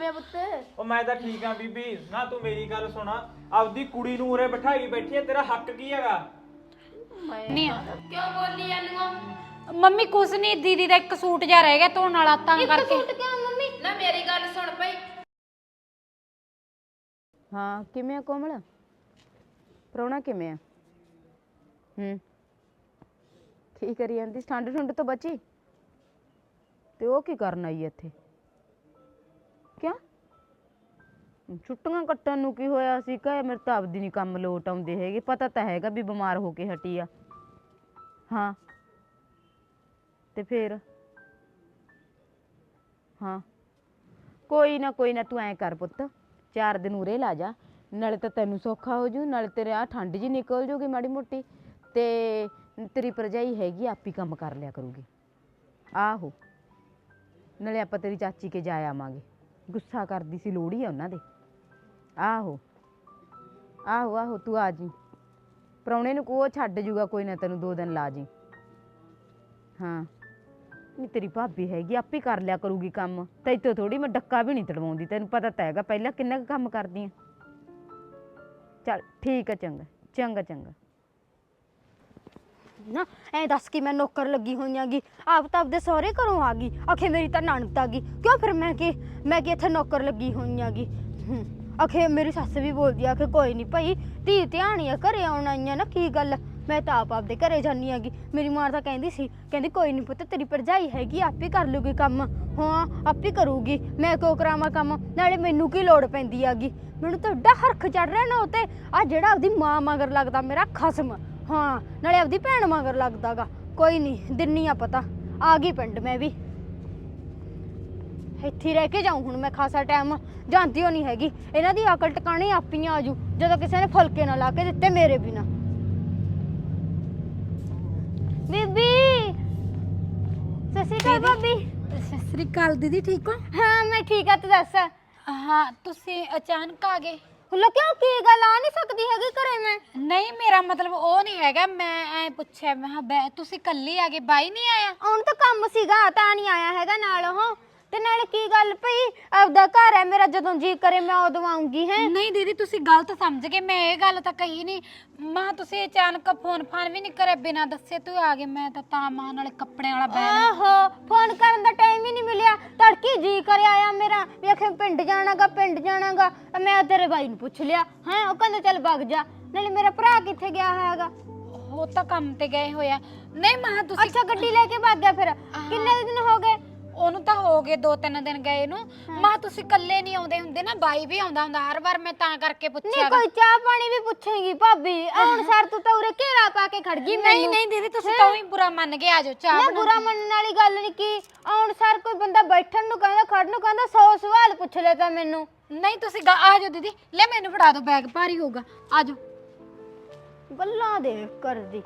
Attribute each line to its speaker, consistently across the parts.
Speaker 1: ਕਿਵੇਂ ਪੁੱਤ?
Speaker 2: ਉਹ ਮੈਂ ਤਾਂ ਠੀਕ ਆ ਬੀਬੀ। ਨਾ ਤੂੰ ਮੇਰੀ ਗੱਲ ਸੁਣਾ, ਆਪਦੀ ਕੁੜੀ ਨੂੰ ਉਰੇ ਬਿਠਾਈ ਬੈਠੀ ਐ, ਤੇਰਾ ਹੱਕ ਕੀ ਹੈਗਾ?
Speaker 3: ਨਹੀਂ
Speaker 1: ਕਿਉਂ ਬੋਲੀ ਜਾਂਦੀ?
Speaker 3: ਮੰਮੀ ਕੁਛ ਨਹੀਂ, ਦੀਦੀ ਦਾ ਇੱਕ ਸੂਟ ਜਾ ਰਹਿ ਗਿਆ ਧੋਣ ਵਾਲਾ ਤਾਂ ਕਰਕੇ।
Speaker 1: ਸੂਟ ਕਿਉਂ ਮੰਮੀ? ਨਾ ਮੇਰੀ ਗੱਲ ਸੁਣ ਪਈ।
Speaker 4: ਹਾਂ ਕਿਵੇਂ ਆ ਕੋਮਲ? ਪ੍ਰਾਹੁਣਾ ਕਿਵੇਂ ਆ? ਕੀ ਕਰੀ ਜਾਂਦੀ? ਠੰਡ ਠੁੰਡ ਤੋਂ ਬਚੀ? ਤੇ ਉਹ ਕੀ ਕਰਨ ਆਈ ਇੱਥੇ? ਕਿਆ ਛੁੱਟੀਆਂ ਕੱਟਣ ਨੂੰ ਕੀ ਹੋਇਆ ਸੀ? ਕਹੇ ਮੇਰੇ ਤਾਂ ਆਪਦੀ ਨਹੀਂ ਕੰਮ ਲੋਟ ਆਉਂਦੇ ਹੈਗੇ। ਪਤਾ ਤਾਂ ਹੈਗਾ ਵੀ ਬਿਮਾਰ ਹੋ ਕੇ ਹਟੀ ਆ। ਹਾਂ ਤੇ ਫੇਰ? ਹਾਂ ਕੋਈ ਨਾ ਤੂੰ ਐਂ ਕਰ ਪੁੱਤ, 4 ਦਿਨ ਉਰੇ ਲਾ ਜਾ, ਨਾਲੇ ਤਾਂ ਤੈਨੂੰ ਸੌਖਾ ਹੋ ਜੂ, ਨਾਲੇ ਤੇਰੇ ਆ ਠੰਡ ਜੀ ਨਿਕਲ ਜੂਗੀ ਮਾੜੀ ਮੋਟੀ, ਤੇ ਤੇਰੀ ਭਰਜਾਈ ਹੈਗੀ ਆਪੀ ਕੰਮ ਕਰ ਲਿਆ ਕਰੂਗੀ। ਆਹੋ ਨਾਲੇ ਆਪਾਂ ਤੇਰੀ ਚਾਚੀ ਕੇ ਜਾ ਆਵਾਂਗੇ। ਗੁੱਸਾ ਕਰਦੀ ਸੀ, ਲੋਹੜੀ ਆ ਉਹਨਾਂ ਦੇ। ਆਹੋ ਤੂੰ ਆ ਜੀ, ਪ੍ਰਾਹੁਣੇ ਨੂੰ ਕੋ ਛੱਡ ਜੂਗਾ, ਕੋਈ ਨਾ ਤੈਨੂੰ 2 ਦਿਨ ਲਾ ਜੀ। ਹਾਂ ਨਹੀਂ ਤੇਰੀ ਭਾਬੀ ਹੈਗੀ ਆਪੇ ਕਰ ਲਿਆ ਕਰੂਗੀ ਕੰਮ, ਤੈਥੋਂ ਥੋੜੀ ਮੈਂ ਡੱਕਾ ਵੀ ਨਹੀਂ ਤੜਵਾਉਂਦੀ, ਤੈਨੂੰ ਪਤਾ ਤਾਂ ਹੈਗਾ ਪਹਿਲਾਂ ਕਿੰਨਾ ਕੁ ਕੰਮ ਕਰਦੀ ਆ। ਚੱਲ ਠੀਕ ਆ, ਚੰਗਾ
Speaker 5: ਨਾ ਐ ਦੱਸ ਕਿ ਮੈਂ ਨੌਕਰ ਲੱਗੀ ਹੋਈਆਂਗੀ, ਆਪ ਤਾਂ ਆਪਦੇ ਸਹੁਰੇ ਘਰੋਂ ਆ ਗਈ, ਆਖੇ ਮੇਰੀ ਤਾਂ ਨਣਦ ਆ ਗਈ। ਕਿਉਂ ਫਿਰ ਮੈਂ ਕਿ ਇੱਥੇ ਨੌਕਰ ਲੱਗੀ ਹੋਈਆਂਗੀ। ਆਖੇ ਮੇਰੀ ਸੱਸ ਵੀ ਬੋਲਦੀ ਆ ਕਿ ਕੋਈ ਨਹੀਂ ਭਾਈ ਧੀ ਧਿਆਣੀ ਆ, ਘਰੇ ਆਉਣ ਆਈਆਂ ਨਾ, ਕੀ ਗੱਲ? ਮੈਂ ਤਾਂ ਆਪਦੇ ਘਰੇ ਜਾਂਦੀ ਆਂਗੀ। ਮੇਰੀ ਮਾਂ ਤਾਂ ਕਹਿੰਦੀ ਸੀ, ਕਹਿੰਦੀ ਕੋਈ ਨਹੀਂ ਪੁੱਤ ਤੇਰੀ ਭਰਜਾਈ ਹੈਗੀ ਆਪੇ ਕਰ ਲੂਗੀ ਕੰਮ। ਹਾਂ ਆਪੇ ਕਰੂਗੀ, ਮੈਂ ਕਿਉਂ ਕਰਾਵਾਂ ਕੰਮ? ਨਾਲੇ ਮੈਨੂੰ ਕੀ ਲੋੜ ਪੈਂਦੀ ਆਗੀ? ਮੈਨੂੰ ਤਾਂ ਏਡਾ ਹਰਖ ਚੜ ਰਿਹਾ ਨਾ ਉਤੇ, ਆ ਜਿਹੜਾ ਆਪਦੀ ਮਾਂ ਮਗਰ ਲੱਗਦਾ ਮੇਰਾ ਖਸਮ, ਹਾਂ ਨਾਲੇ ਆਪਦੀ ਭੈਣ ਮਗਰ ਲੱਗਦਾਗਾ। ਕੋਈ ਨਹੀਂ ਦਿੰਨੀ ਆ ਪਤਾ, ਆ ਗਈ ਪਿੰਡ ਮੈਂ ਵੀ। ਇੱਥੇ ਰਹਿ ਕੇ ਜਾਊਂ ਹੁਣ ਮੈਂ ਖਾਸਾ ਟਾਈਮ, ਜਾਂਦੀ ਹੋ ਨਹੀਂ ਹੈਗੀ। ਇਹਨਾਂ ਦੀ ਅਕਲ ਟਿਕਾਣੇ ਆਪੀਆਂ ਆਜੂ ਜਦੋਂ ਕਿਸੇ ਨੇ ਫੁਲਕੇ ਨਾ ਲਾ ਕੇ ਦਿੱਤੇ ਮੇਰੇ ਬਿਨਾ। ਬੀਬੀ ਸਤਿ ਸ਼੍ਰੀ ਅਕਾਲ ਭਾਬੀ।
Speaker 3: ਸਤਿ ਸ੍ਰੀ ਅਕਾਲ ਦੀਦੀ, ਠੀਕ ਹੋ?
Speaker 5: ਹਾਂ ਮੈਂ ਠੀਕ ਆ, ਤੂੰ ਦੱਸ?
Speaker 3: ਹਾਂ ਤੁਸੀਂ ਅਚਾਨਕ ਆ ਗਏ?
Speaker 5: ਹੁਲਾ ਕਿਉਂ, ਕੀ ਗੱਲ? ਆ ਨਹੀਂ ਸਕਦੀ ਹੈਗੀ ਘਰੇ ਮੈਂ?
Speaker 3: ਨਹੀਂ ਮੇਰਾ ਮਤਲਬ ਉਹ ਨਹੀਂ ਹੈਗਾ, ਮੈਂ ਐ ਪੁੱਛਿਆ ਮੈਂ ਕਿਹਾ ਤੁਸੀਂ ਇਕੱਲੀ ਆ ਗਏ, ਬਾਈ ਨਹੀਂ ਆਇਆ?
Speaker 5: ਆਉਣ ਤਾਂ ਕੰਮ ਸੀਗਾ ਤਾਂ ਨਹੀਂ ਆਇਆ ਹੈਗਾ ਨਾਲ ਉਹ। ਤੇ ਨਾਲੇ ਕੀ ਗੱਲ ਭਈ, ਆਪਦਾ ਘਰ ਹੈ ਮੇਰਾ, ਜਦੋਂ ਜੀ ਕਰੇ ਮੈਂ ਉਦੋਂ ਆਉਂਗੀ। ਹੈ
Speaker 3: ਨਹੀਂ ਦੀਦੀ ਤੁਸੀਂ ਗਲਤ ਸਮਝ ਗਏ, ਮੈਂ ਇਹ ਗੱਲ ਤਾਂ ਕਹੀ ਨਹੀਂ। ਮਾਂ ਤੁਸੀਂ ਅਚਾਨਕ ਫੋਨ ਵੀ ਨਹੀਂ ਕਰੇ, ਬਿਨਾਂ ਦੱਸੇ ਤੂੰ ਆ ਗਏ। ਮੈਂ ਤਾਂ ਮਾਂ ਨਾਲੇ ਕੱਪੜਿਆਂ ਵਾਲਾ ਬੈਗ।
Speaker 5: ਆਹੋ ਫੋਨ ਕਰਨ ਦਾ ਟਾਈਮ ਹੀ ਨਹੀਂ ਮਿਲਿਆ, ਤੜਕੀ ਜੀ ਕਰੇ ਆਇਆ ਮੇਰਾ ਵੀ ਆਖੇ ਪਿੰਡ ਜਾਣਾਗਾ। ਮੈਂ ਤੇਰੇ ਬਾਈ ਨੂੰ ਪੁੱਛ ਲਿਆ, ਹੈ ਉਹ ਕਹਿੰਦਾ ਚੱਲ ਵਗ ਜਾ। ਨਾਲੇ ਮੇਰਾ ਭਰਾ ਕਿੱਥੇ ਗਿਆ ਹੈਗਾ?
Speaker 3: ਉਹ ਤਾਂ ਕੰਮ ਤੇ ਗਏ ਹੋਇਆ। ਨਹੀਂ ਮਾਂ ਤੁਸੀਂ
Speaker 5: ਅੱਛਾ ਗੱਡੀ ਲੈ ਕੇ ਵਗ ਗਿਆ ਫਿਰ? ਕਿੰਨੇ ਦਿਨ ਹੋ ਗਏ
Speaker 3: ਉਹਨੂੰ? ਤਾਂ ਹੋ ਗਏ 2-3 ਦਿਨ ਗਏ ਨੂੰ। ਮਾਂ ਤੁਸੀਂ ਇਕੱਲੇ ਨਹੀਂ ਆਉਂਦੇ ਹੁੰਦੇ ਨਾ, ਬਾਈ ਵੀ ਆਉਂਦਾ ਹੁੰਦਾ ਹਰ ਵਾਰ, ਮੈਂ ਤਾਂ ਕਰਕੇ ਪੁੱਛਿਆ।
Speaker 5: ਨਹੀਂ ਕੋਈ ਚਾਹ ਪਾਣੀ ਵੀ ਪੁੱਛੇਗੀ ਭਾਬੀ? ਹੁਣ ਸਰ ਤੂੰ ਤਾਂ ਉਰੇ ਘੇਰਾ ਪਾ ਕੇ ਖੜ ਗਈ ਮੈਨੂੰ।
Speaker 3: ਨਹੀਂ ਦੀਦੀ ਤੁਸੀਂ ਤਾਂ ਹੀ ਬੁਰਾ ਮੰਨ ਗਏ, ਆਜੋ ਚਾਹ
Speaker 5: ਨਾ ਬੁਰਾ ਮੰਨਣ ਵਾਲੀ ਗੱਲ ਨਹੀਂ। ਕੀ ਹੁਣ ਸਰ ਕੋਈ ਬੰਦਾ ਬੈਠਣ ਨੂੰ ਕਹਿੰਦਾ, ਖੜਨ ਨੂੰ ਕਹਿੰਦਾ, 100 ਸਵਾਲ ਪੁੱਛ ਲੈ ਤਾਂ ਮੈਨੂੰ।
Speaker 3: ਨਹੀਂ ਤੁਸੀਂ ਆਜੋ ਦੀਦੀ, ਲੈ ਮੈਨੂੰ ਫੜਾ ਦਿਓ, ਬੈਗ ਭਾਰੀ ਹੋਊਗਾ, ਆਜੋ।
Speaker 5: ਗੱਲਾਂ ਦੇ ਕਰਦੀ।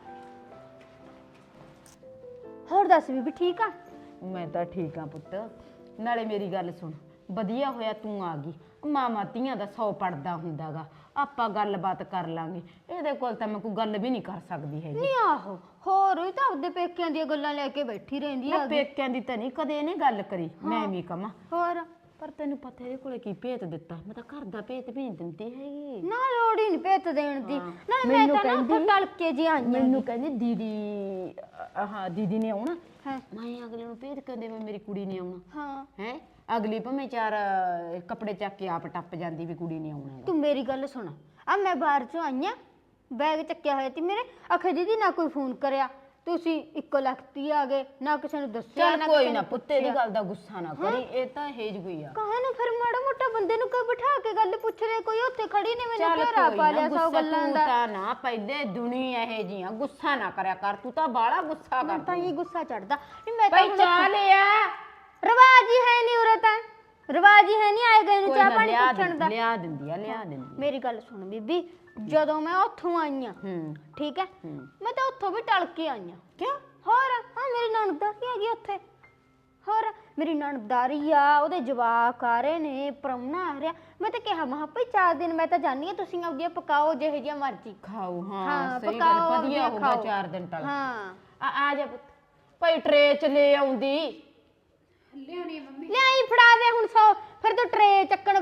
Speaker 5: ਹੋਰ ਦੱਸ ਬੀਬੀ ਠੀਕ ਆ?
Speaker 4: ਮੈਂ ਤਾਂ ਠੀਕ ਆ ਪੁੱਤ। ਨਾਲੇ ਮੇਰੀ ਗੱਲ ਸੁਣ, ਵਧੀਆ ਹੋਇਆ ਤੂੰ ਆ ਗਈ। ਮਾਮਾ ਧੀਆਂ ਦਾ 100 ਪੜਦਾ ਹੁੰਦਾਗਾ, ਆਪਾਂ ਗੱਲਬਾਤ ਕਰ ਲਾਂਗੇ। ਇਹਦੇ ਕੋਲ ਤਾਂ ਮੈਂ ਕੋਈ ਗੱਲ ਵੀ ਨਹੀਂ ਕਰ ਸਕਦੀ ਹੈਗੀ।
Speaker 5: ਨਹੀਂ ਆਹੋ ਹੋਰ ਹੀ ਤਾਂ ਆਪਦੇ ਪੇਕਿਆਂ ਦੀਆਂ ਗੱਲਾਂ ਲੈ ਕੇ ਬੈਠੀ ਰਹਿੰਦੀ ਆ।
Speaker 4: ਪੇਕਿਆਂ ਦੀ ਤਾਂ ਨਹੀਂ ਕਦੇ ਇਹਨੇ ਗੱਲ ਕਰੀ, ਮੈਂ ਵੀ ਕਵਾਂ।
Speaker 5: ਹੋਰ
Speaker 4: ਪਰ ਤੈਨੂੰ ਪਤਾ ਇਹਦੇ ਕੋਲੇ ਕੀ ਭੇਤ ਦਿੱਤਾ? ਮੈਂ ਤਾਂ ਘਰ ਦਾ ਭੇਤ ਵੀ ਨਹੀਂ ਦਿੰਦੀ ਹੈਗੀ।
Speaker 5: ਨਾ ਲੋੜ ਹੀ ਨਹੀਂ ਭੇਤ ਦੇਣ ਦੀ। ਨਾਲੇ ਮੈਂ ਤਾਂ ਨਾ ਉੱਥੇ ਟਲਕੇ ਜੀ ਆਈ।
Speaker 4: ਮੈਨੂੰ ਕਹਿੰਦੀ ਦੀਦੀ ਨੇ ਆਉਣਾ। ਮੈਂ ਅਗਲੇ ਨੂੰ ਭੇਤ ਕਿਉਂ ਦੇਵਾਂ? ਮੇਰੀ ਕੁੜੀ ਨੇ ਆਉਣਾ।
Speaker 5: ਹਾਂ
Speaker 4: ਹੈ ਅਗਲੀ ਭਾਵੇਂ 4 ਕੱਪੜੇ ਚੱਕ ਕੇ ਆਪ ਟੱਪ ਜਾਂਦੀ ਵੀ ਕੁੜੀ ਨੇ ਆਉਣਾ।
Speaker 5: ਤੂੰ ਮੇਰੀ ਗੱਲ ਸੁਣ, ਆ ਮੈਂ ਬਾਹਰ ਚੋਂ ਆਈ ਆ, ਬੈਗ ਚੱਕਿਆ ਹੋਇਆ ਸੀ ਮੇਰੇ। ਆਖੇ ਦੀਦੀ ਨਾ ਕੋਈ ਫੋਨ ਕਰਿਆ, ਤੁਸੀਂ 1 ਲੱਖ ਤੀ ਆ ਗਏ, ਨਾ ਕਿਸੇ ਨੂੰ ਦੱਸਿਆ
Speaker 4: ਚੱਲ ਕੋਈ ਨਾ ਪੁੱਤੇ ਦੀ ਗੱਲ ਦਾ ਗੁੱਸਾ ਨਾ ਕਰੀ, ਇਹ ਤਾਂ ਹੇਜ ਗਈ ਆ।
Speaker 5: ਕਹਾਂ ਨਾ ਫਿਰ ਮਾੜਾ ਮੋਟਾ ਬੰਦੇ ਨੂੰ ਕੋਈ ਬਿਠਾ ਕੇ ਗੱਲ ਪੁੱਛ ਲੈ। ਕੋਈ ਉੱਥੇ ਖੜੀ ਨੇ ਮੈਨੂੰ ਘੇਰਾ ਪਾ ਲਿਆ 100 ਗੱਲਾਂ ਦਾ।
Speaker 4: ਤਾਂ ਨਾ ਪਹਿਲੇ ਦੁਨੀਆ ਇਹ ਜੀਆਂ, ਗੁੱਸਾ ਨਾ ਕਰਿਆ ਕਰ, ਤੂੰ ਤਾਂ ਬਾਹਲਾ ਗੁੱਸਾ ਕਰ।
Speaker 5: ਤਾਂ ਇਹ ਗੁੱਸਾ ਚੜਦਾ ਨਹੀਂ। ਮੈਂ ਤਾਂ
Speaker 4: ਭਾਈ ਚਾਹ ਲਿਆ,
Speaker 5: ਰਿਵਾਜ ਹੀ ਹੈ ਨਹੀਂ ਉਰੇ, ਤਾਂ ਰਿਵਾਜ ਹੀ ਹੈ ਨਹੀਂ ਆਏ ਗਏ ਨੂੰ ਚਾਹ ਪਾਣੀ ਪੁੱਛਣ ਦਾ।
Speaker 4: ਲਿਆ ਦਿੰਦੀ ਆ।
Speaker 5: ਮੇਰੀ ਗੱਲ ਸੁਣ ਬੀਬੀ, ਜਦੋਂ ਮੈਂ ਉੱਥੋਂ ਆਈ ਆ, ਠੀਕ ਹੈ, ਮੈਂ ਤਾਂ ਉੱਥੋਂ ਵੀ ਟਲ ਕੇ ਆਈ ਆ।
Speaker 4: ਕਿਉਂ?
Speaker 5: ਹੋਰ ਹਾਂ ਮੇਰੀ ਨਣਦਾਰੀ ਹੈਗੀ ਉੱਥੇ। ਹੋਰ ਮੇਰੀ ਨਣਦਾਰੀ ਆ, ਉਹਦੇ ਜਵਾਕ ਆ ਰਹੇ ਨੇ, ਪ੍ਰਾਹੁਣਾ ਆ ਰਿਹਾ। ਮੈਂ ਤਾਂ ਕਿਹਾ ਮਹਾ ਭਾਈ 4 ਦਿਨ ਮੈਂ ਤਾਂ ਜਾਣੀ ਆ, ਤੁਸੀਂ ਆਪਦੀਆਂ ਪਕਾਓ ਜਿਹੇ ਜਿਹਾ ਮਰਜ਼ੀ
Speaker 4: ਖਾਓ। ਹਾਂ ਸਹੀ ਗੱਲ, ਵਧੀਆ ਹੋਊਗਾ 4 ਦਿਨ ਟਲ।
Speaker 5: ਹਾਂ
Speaker 4: ਆ ਜਾ ਪੁੱਤ, ਭਾਈ ਟਰੇ ਚ ਲੈ ਆਉਂਦੀ।
Speaker 3: ਲਿਆਉਣੀ ਮੰਮੀ
Speaker 5: ਲਿਆਈ ਫੜਾ ਦੇ ਹੁਣ 100। ਫਿਰ ਤੂੰ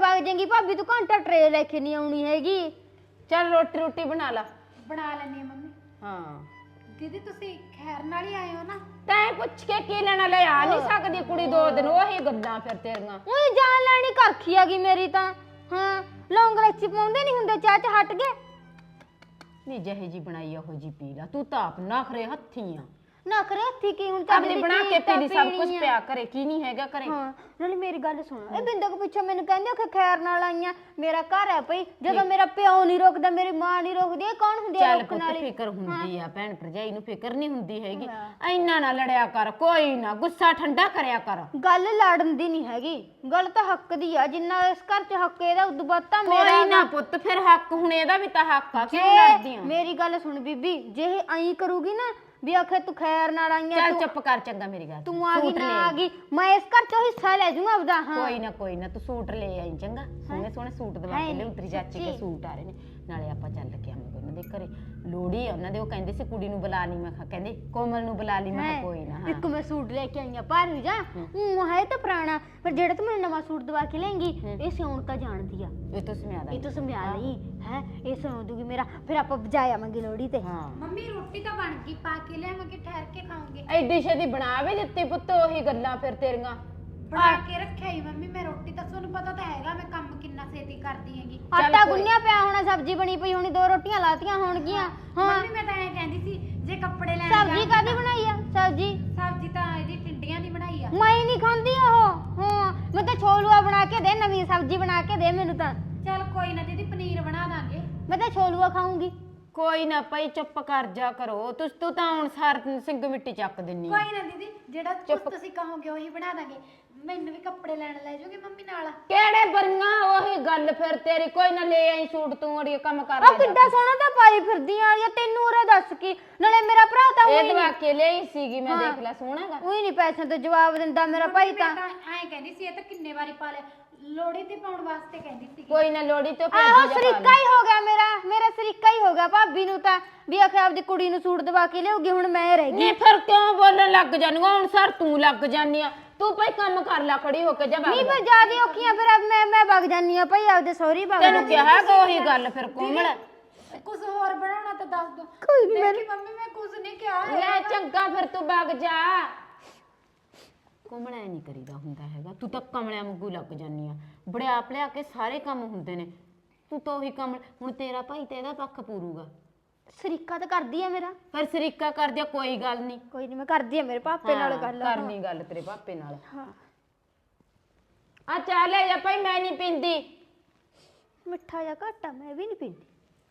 Speaker 5: ਵਗ ਜਾਏਗੀ ਭਾਬੀ ਤੂੰ ਘੰਟਾ ਟਰੇ ਲੈ ਕੇ ਨਹੀਂ ਆਉਣੀ ਹੈਗੀ।
Speaker 4: ਚੱਲ ਰੋਟੀ ਬਣਾ ਲਾ।
Speaker 3: ਬਣਾ ਲੈਣੀ ਮੰਮੀ।
Speaker 4: ਹਾਂ
Speaker 3: ਦੀਦੀ ਤੁਸੀਂ ਖੈਰ ਨਾਲ ਹੀ ਆਏ ਹੋ ਨਾ?
Speaker 4: ਤੈਂ ਪੁੱਛ ਕੇ ਕੀ ਲੈਣਾ, ਲੈ ਆ ਨਹੀਂ ਸਕਦੀ ਕੁੜੀ 2 ਦਿਨ, ਉਹੀ ਗੱਲਾਂ ਫਿਰ ਤੇਰੀਆਂ।
Speaker 5: ਉਹ ਜਾਨ ਲੈਣੀ ਕਰਖੀ ਆ ਗਈ ਮੇਰੀ ਤਾਂ। ਹਾਂ ਲੌਂਗ ਇਲਾਚੀ ਪਾਉਂਦੇ ਨਹੀਂ ਹੁੰਦੇ ਚਾਹ ਚ ਹਟ ਗਏ।
Speaker 4: ਨਹੀਂ ਜਿਹੇ ਜੀ ਬਣਾਈ ਉਹੋ ਜੀ ਪੀ ਲਾ, ਤੂੰ ਤਾਂ ਆਪ ਨਖਰੇ ਹੱਥੀ ਆ।
Speaker 5: ਨਾ ਕਰੇ ਹੱਥੀ ਕੀ ਹੁਣ
Speaker 4: ਆਪਣੀ ਬਣਾ ਕੇ ਪੀ ਲਈ, ਸਭ ਕੁਝ ਪਿਆ ਕਰੇ, ਕੀ ਨਹੀਂ ਹੈਗਾ ਕਰੇ।
Speaker 5: ਹਾਂ ਨਾਲੇ ਮੇਰੀ ਗੱਲ ਸੁਣ, ਇਹ ਬਿੰਦਕ ਪਿੱਛੇ ਮੈਨੂੰ ਕਹਿੰਦੇ ਕਿ ਖੈਰ ਨਾਲ ਆਈਆਂ, ਮੇਰਾ ਘਰ ਹੈ ਭਈ, ਜਦੋਂ ਮੇਰਾ ਪਿਓ ਨਹੀਂ ਰੋਕਦਾ ਮੇਰੀ ਮਾਂ ਨਹੀਂ ਰੋਕਦੀ, ਇਹ ਕੌਣ ਹੁੰਦੀ ਆ
Speaker 4: ਚੱਲ
Speaker 5: ਰੋਕਣ
Speaker 4: ਪੁੱਤ
Speaker 5: ਵਾਲੀ?
Speaker 4: ਫਿਕਰ ਹੁੰਦੀ ਆ, ਭੈਣ ਭਰਜਾਈ ਨੂੰ ਫਿਕਰ ਨਹੀਂ ਹੁੰਦੀ ਹੈਗੀ। ਇੰਨਾ ਨਾ ਲੜਿਆ ਕਰ, ਕੋਈ ਨਾ ਗੁੱਸਾ ਠੰਡਾ ਕਰਿਆ ਕਰ।
Speaker 5: ਗੱਲ ਲੜਨ ਦੀ ਨਹੀਂ ਹੈਗੀ, ਗੱਲ ਤਾਂ ਹੱਕ ਦੀ ਆ। ਜਿੰਨਾ ਇਸ ਘਰ 'ਚ ਹੱਕ ਇਹਦਾ ਉਦੋਂ ਵੱਧ ਤਾਂ ਮੇਰਾ
Speaker 4: ਕੋਈ ਨਾ ਪੁੱਤ, ਫਿਰ ਹੱਕ ਹੁਣ ਇਹਦਾ ਵੀ ਤਾਂ ਹੱਕ ਆ, ਕਿਉਂ ਲੜਦੀ ਆ?
Speaker 5: ਮੇਰੀ ਗੱਲ ਸੁਣ ਬੀਬੀ, ਜੇ ਇਹ ਐਂ ਕਰੂਗੀ ਨਾ ਵੀ ਆਖੇ ਤੂੰ ਖੈਰ ਨਾਲ ਆਈਆਂ,
Speaker 4: ਚੱਲ ਚੁੱਪ ਕਰ, ਚੰਗਾ ਮੇਰੀ ਗੱਲ
Speaker 5: ਤੂੰ ਆ ਗਈ ਨਾ ਆ ਗਈ, ਮੈਂ ਇਸ ਘਰ 'ਚੋਂ ਹਿੱਸਾ ਲੈ ਜਾਊਂਗਾ ਆਪਦਾ। ਹਾਂ
Speaker 4: ਕੋਈ ਨਾ ਤੂੰ ਸੂਟ ਲੈ ਆਈ, ਚੰਗਾ ਸੋਹਣੇ ਸੋਹਣੇ ਸੂਟ ਦਵਾ ਕੇ ਲਿਆਉਂ, ਤੇਰੀ ਚਾਚੀ ਦੇ ਸੂਟ ਆ ਰਹੇ ਨੇ, ਨਾਲੇ ਆਪਾਂ ਚੱਲ ਕੇ ਆਵਾਂਗੇ ਉਹਨਾਂ ਦੇ ਘਰੇ, ਲੋੜੀ ਆ ਉਹਨਾਂ ਦੇ, ਉਹ ਕਹਿੰਦੇ ਸੀ ਕੁੜੀ ਨੂੰ ਬੁਲਾ ਲਈ, ਮੈਂ ਕਿਹਾ ਕਹਿੰਦੇ ਕੋਮਲ ਨੂੰ ਬੁਲਾ ਲਈ, ਮੈਂ ਕਿਹਾ ਕੋਈ ਨਾ।
Speaker 5: ਇੱਕ ਮੈਂ ਸੂਟ ਲੈ ਕੇ ਆਈਆਂ ਭਾਰੂ ਜਾ, ਉਹ ਹੈ ਤਾਂ ਪੁਰਾਣਾ, ਪਰ ਜਿਹੜਾ ਤੂੰ ਮੈਨੂੰ ਨਵਾਂ ਸੂਟ ਦਵਾ ਕੇ ਲੈਂਗੀ ਇਹ ਸਿਉਣ ਤਾਂ ਜਾਣਦੀ ਆ,
Speaker 4: ਇਹ ਤੋਂ ਸਮਿਆ ਦਾ
Speaker 5: ਇਹ ਤੂੰ ਸਮਝਾ ਲਈ ਹੈ, ਇਹ ਸਿਉਂ ਦੂਗੀ ਮੇਰਾ, ਫਿਰ ਆਪਾਂ ਬਜਾ ਆਵਾਂਗੇ ਲੋੜੀ ਤੇ।
Speaker 4: ਹਾਂ
Speaker 3: ਮੰਮੀ ਰੋਟੀ ਤਾਂ ਬਣ ਗਈ, ਪਾ ਕੇ ਲਿਆਵਾਂਗੇ, ਠਹਿਰ ਕੇ ਖਾਵਾਂਗੇ।
Speaker 4: ਐਡੀ ਛੇਤੀ ਬਣਾ ਵੀ ਦਿੱਤੀ ਪੁੱਤ, ਉਹੀ ਗੱਲਾਂ ਫਿਰ ਤੇਰੀਆਂ।
Speaker 3: ਬਣਾ ਕੇ ਰੱਖਿਆ ਹੀ ਮੰਮੀ ਮੈਂ ਰੋਟੀ ਤਾਂ, ਤੁਹਾਨੂੰ ਪਤਾ ਤਾਂ ਹੈਗਾ ਮੈਂ ਕੰਮ ਕਿੰਨਾ ਛੇਤੀ ਕਰਦੀ ਹੈਗੀ।
Speaker 5: ਆਟਾ ਗੁੰਨਿਆ ਪਿਆ ਹੋਣਾ, ਸਬਜ਼ੀ ਬਣੀ ਪਈ ਹੋਣੀ, 2 ਰੋਟੀਆਂ ਲਾਤੀਆਂ ਹੋਣਗੀਆਂ। ਹਾਂ
Speaker 3: ਮੰਮੀ ਮੈਂ ਤਾਂ ਐਂ ਕਹਿੰਦੀ ਸੀ ਜੇ ਕੱਪੜੇ ਲੈਣ
Speaker 5: ਸਬਜ਼ੀ ਕਾਦੀ ਬਣਾਈ ਆ?
Speaker 3: ਸਬਜ਼ੀ ਤਾਂ ਇਹਦੀ ਟਿੰਡੀਆਂ ਦੀ ਬਣਾਈ ਆ।
Speaker 5: ਮੈਂ ਨਹੀਂ ਖਾਂਦੀ ਉਹ। ਹਾਂ ਮੈਂ ਤਾਂ ਛੋਲੂਆ ਬਣਾ ਕੇ ਦੇ, ਨਵੀਂ ਸਬਜ਼ੀ ਬਣਾ ਕੇ ਦੇ ਮੈਨੂੰ ਤਾਂ।
Speaker 3: ਚੱਲ ਕੋਈ ਨਾ ਦੀਦੀ, ਪਨੀਰ ਬਣਾ ਦਾਂਗੇ।
Speaker 5: ਮੈਂ ਤਾਂ ਛੋਲੂਆ ਖਾਊਂਗੀ।
Speaker 4: ਕੋਈ ਨਾ ਭਾਈ ਚੁੱਪ ਕਰ ਜਾ ਕਰੋ, ਤੂੰ ਤਾਂ ਹੁਣ ਸਾਰ ਸਿੰਘ ਮਿੱਟੀ ਚੱਕ ਦਿੰਨੀ ਆ।
Speaker 3: ਕੋਈ ਨਾ ਦੀਦੀ, ਜਿਹੜਾ ਕੁਛ ਤੁਸੀਂ ਕਹੋਗੇ ਉਹੀ ਬਣਾ ਦਾਂਗੇ। ਮੈਨੂੰ ਵੀ ਕੱਪੜੇ ਲੈਣ ਲੈ ਜਾਓਗੇ ਮੰਮੀ ਨਾਲ?
Speaker 4: ਕਿਹੜੇ ਬਰੀਆਂ, ਉਹੀ ਗੱਲ ਫਿਰ ਤੇਰੀ। ਕੋਈ ਨਾ ਲੈ ਆਈ ਸੂਟ, ਤੂੰ ਅੜੀਏ ਕੰਮ ਕਰ
Speaker 5: ਆ ਕਿੱਡਾ ਸੋਹਣਾ ਤਾਂ ਪਾਈ ਫਿਰਦੀ ਆ, ਜਾਂ ਤੈਨੂੰ ਉਰੇ ਦੱਸ ਕੀ, ਨਾਲੇ ਮੇਰਾ ਭਰਾ ਤਾਂ
Speaker 4: ਇਹ ਦਵਾ ਕੇ ਲਈ ਸੀਗੀ ਮੈਂ, ਦੇਖ ਲੈ ਸੋਹਣਾਗਾ।
Speaker 5: ਉਹੀ ਨਹੀਂ ਪੈਸਿਆਂ ਤੋਂ ਜਵਾਬ ਦਿੰਦਾ ਮੇਰਾ ਭਾਈ ਤਾਂ।
Speaker 3: ਮੈਂ ਤਾਂ ਐਂ ਕਹਿੰਦੀ ਸੀ, ਇਹ ਤਾਂ ਕਿੰਨੇ ਵਾਰੀ ਪਾ ਲਿਆ, ਲੋੜੀ ਤੇ ਪਾਉਣ ਵਾਸਤੇ ਕਹਿੰਦੀ ਸੀ।
Speaker 4: ਕੋਈ ਨਾ ਲੋੜੀ ਤੋਂ
Speaker 5: ਆਹੋ ਸਰੀਕਾ ਹੀ ਹੋ ਗਿਆ ਮੇਰਾ ਸਰੀਕਾ ਹੀ ਹੋ ਗਿਆ ਭਾਬੀ ਨੂੰ ਤਾਂ, ਵੀ ਆਖੇ ਆਪਦੀ ਕੁੜੀ ਨੂੰ ਸੂਟ ਦਵਾ ਕੇ ਲਿਆਉਗੀ, ਹੁਣ ਮੈਂ ਰਹਿ ਗਈ।
Speaker 4: ਨਹੀਂ ਫਿਰ ਕਿਉਂ ਬੋਲਣ ਲੱਗ ਜਾਨੀ, ਹੁਣ ਸਰ ਤੂੰ ਲੱਗ ਜਾਨੀ ਆ, ਤੂੰ ਭਾਈ ਕੰਮ ਕਰ ਲੈ, ਖੜੀ ਹੋ ਕੇ ਜਾ।
Speaker 5: ਨਹੀਂ ਫਿਰ ਜਿਆਦਾ ਔਖੀਆਂ, ਫਿਰ ਮੈਂ ਵਗ ਜਾਨੀ ਆ ਭਾਈ ਆਪਦੇ ਸਹੁਰੀ ਵਗ
Speaker 4: ਤੈਨੂੰ ਕਿਹਾ ਹੈਗਾ ਉਹੀ ਗੱਲ ਫਿਰ ਕੋਮਲ।
Speaker 3: ਕੁਝ ਹੋਰ ਬਣਾਉਣਾ ਤਾਂ ਦੱਸ ਦੋ।
Speaker 5: ਕੋਈ ਨਹੀਂ
Speaker 3: ਦੇਖੀ ਮੰਮੀ ਮੈਂ ਕੁਝ ਨਹੀਂ ਕਿਹਾ
Speaker 4: ਲੈ ਚੰਗਾ ਫਿਰ ਤੂੰ ਵਗ ਜਾ। ਕੋਮਲ ਐ ਨਹੀਂ ਕਰੀਦਾ ਹੁੰਦਾ ਹੈਗਾ, ਤੂੰ ਤਾਂ ਕਮਲਿਆਂ ਵਾਂਗੂ ਲੱਗ ਜਾਨੀ ਆ, ਬੜਿਆਪ ਲਿਆ ਕੇ ਸਾਰੇ ਕੰਮ ਹੁੰਦੇ ਨੇ, ਤੂੰ ਤਾਂ ਉਹੀ ਕਮਲ। ਹੁਣ ਤੇਰਾ ਭਾਈ ਤੇ ਇਹਦਾ ਪੱਖ ਪੂਰੂਗਾ,
Speaker 5: ਸਰੀਕਾ ਤਾਂ ਕਰਦੀ ਆ ਮੇਰਾ।
Speaker 4: ਪਰ ਸਰੀਕਾ ਕਰ ਦਿਆ, ਕੋਈ ਗੱਲ ਨਹੀਂ,
Speaker 5: ਕੋਈ ਨਹੀਂ ਮੈਂ ਕਰਦੀ ਆ ਮੇਰੇ ਪਾਪੇ ਨਾਲ ਗੱਲ।
Speaker 4: ਕਰਨੀ ਗੱਲ ਤੇਰੇ ਪਾਪੇ ਨਾਲ।
Speaker 5: ਹਾਂ
Speaker 4: ਆ ਚੱਲ ਲੈ ਜਾ ਭਾਈ, ਮੈਂ ਨਹੀਂ ਪੀਂਦੀ।
Speaker 5: ਮਿੱਠਾ ਜਿਹਾ ਘੱਟ ਆ, ਮੈਂ ਵੀ ਨਹੀਂ ਪੀਂਦੀ।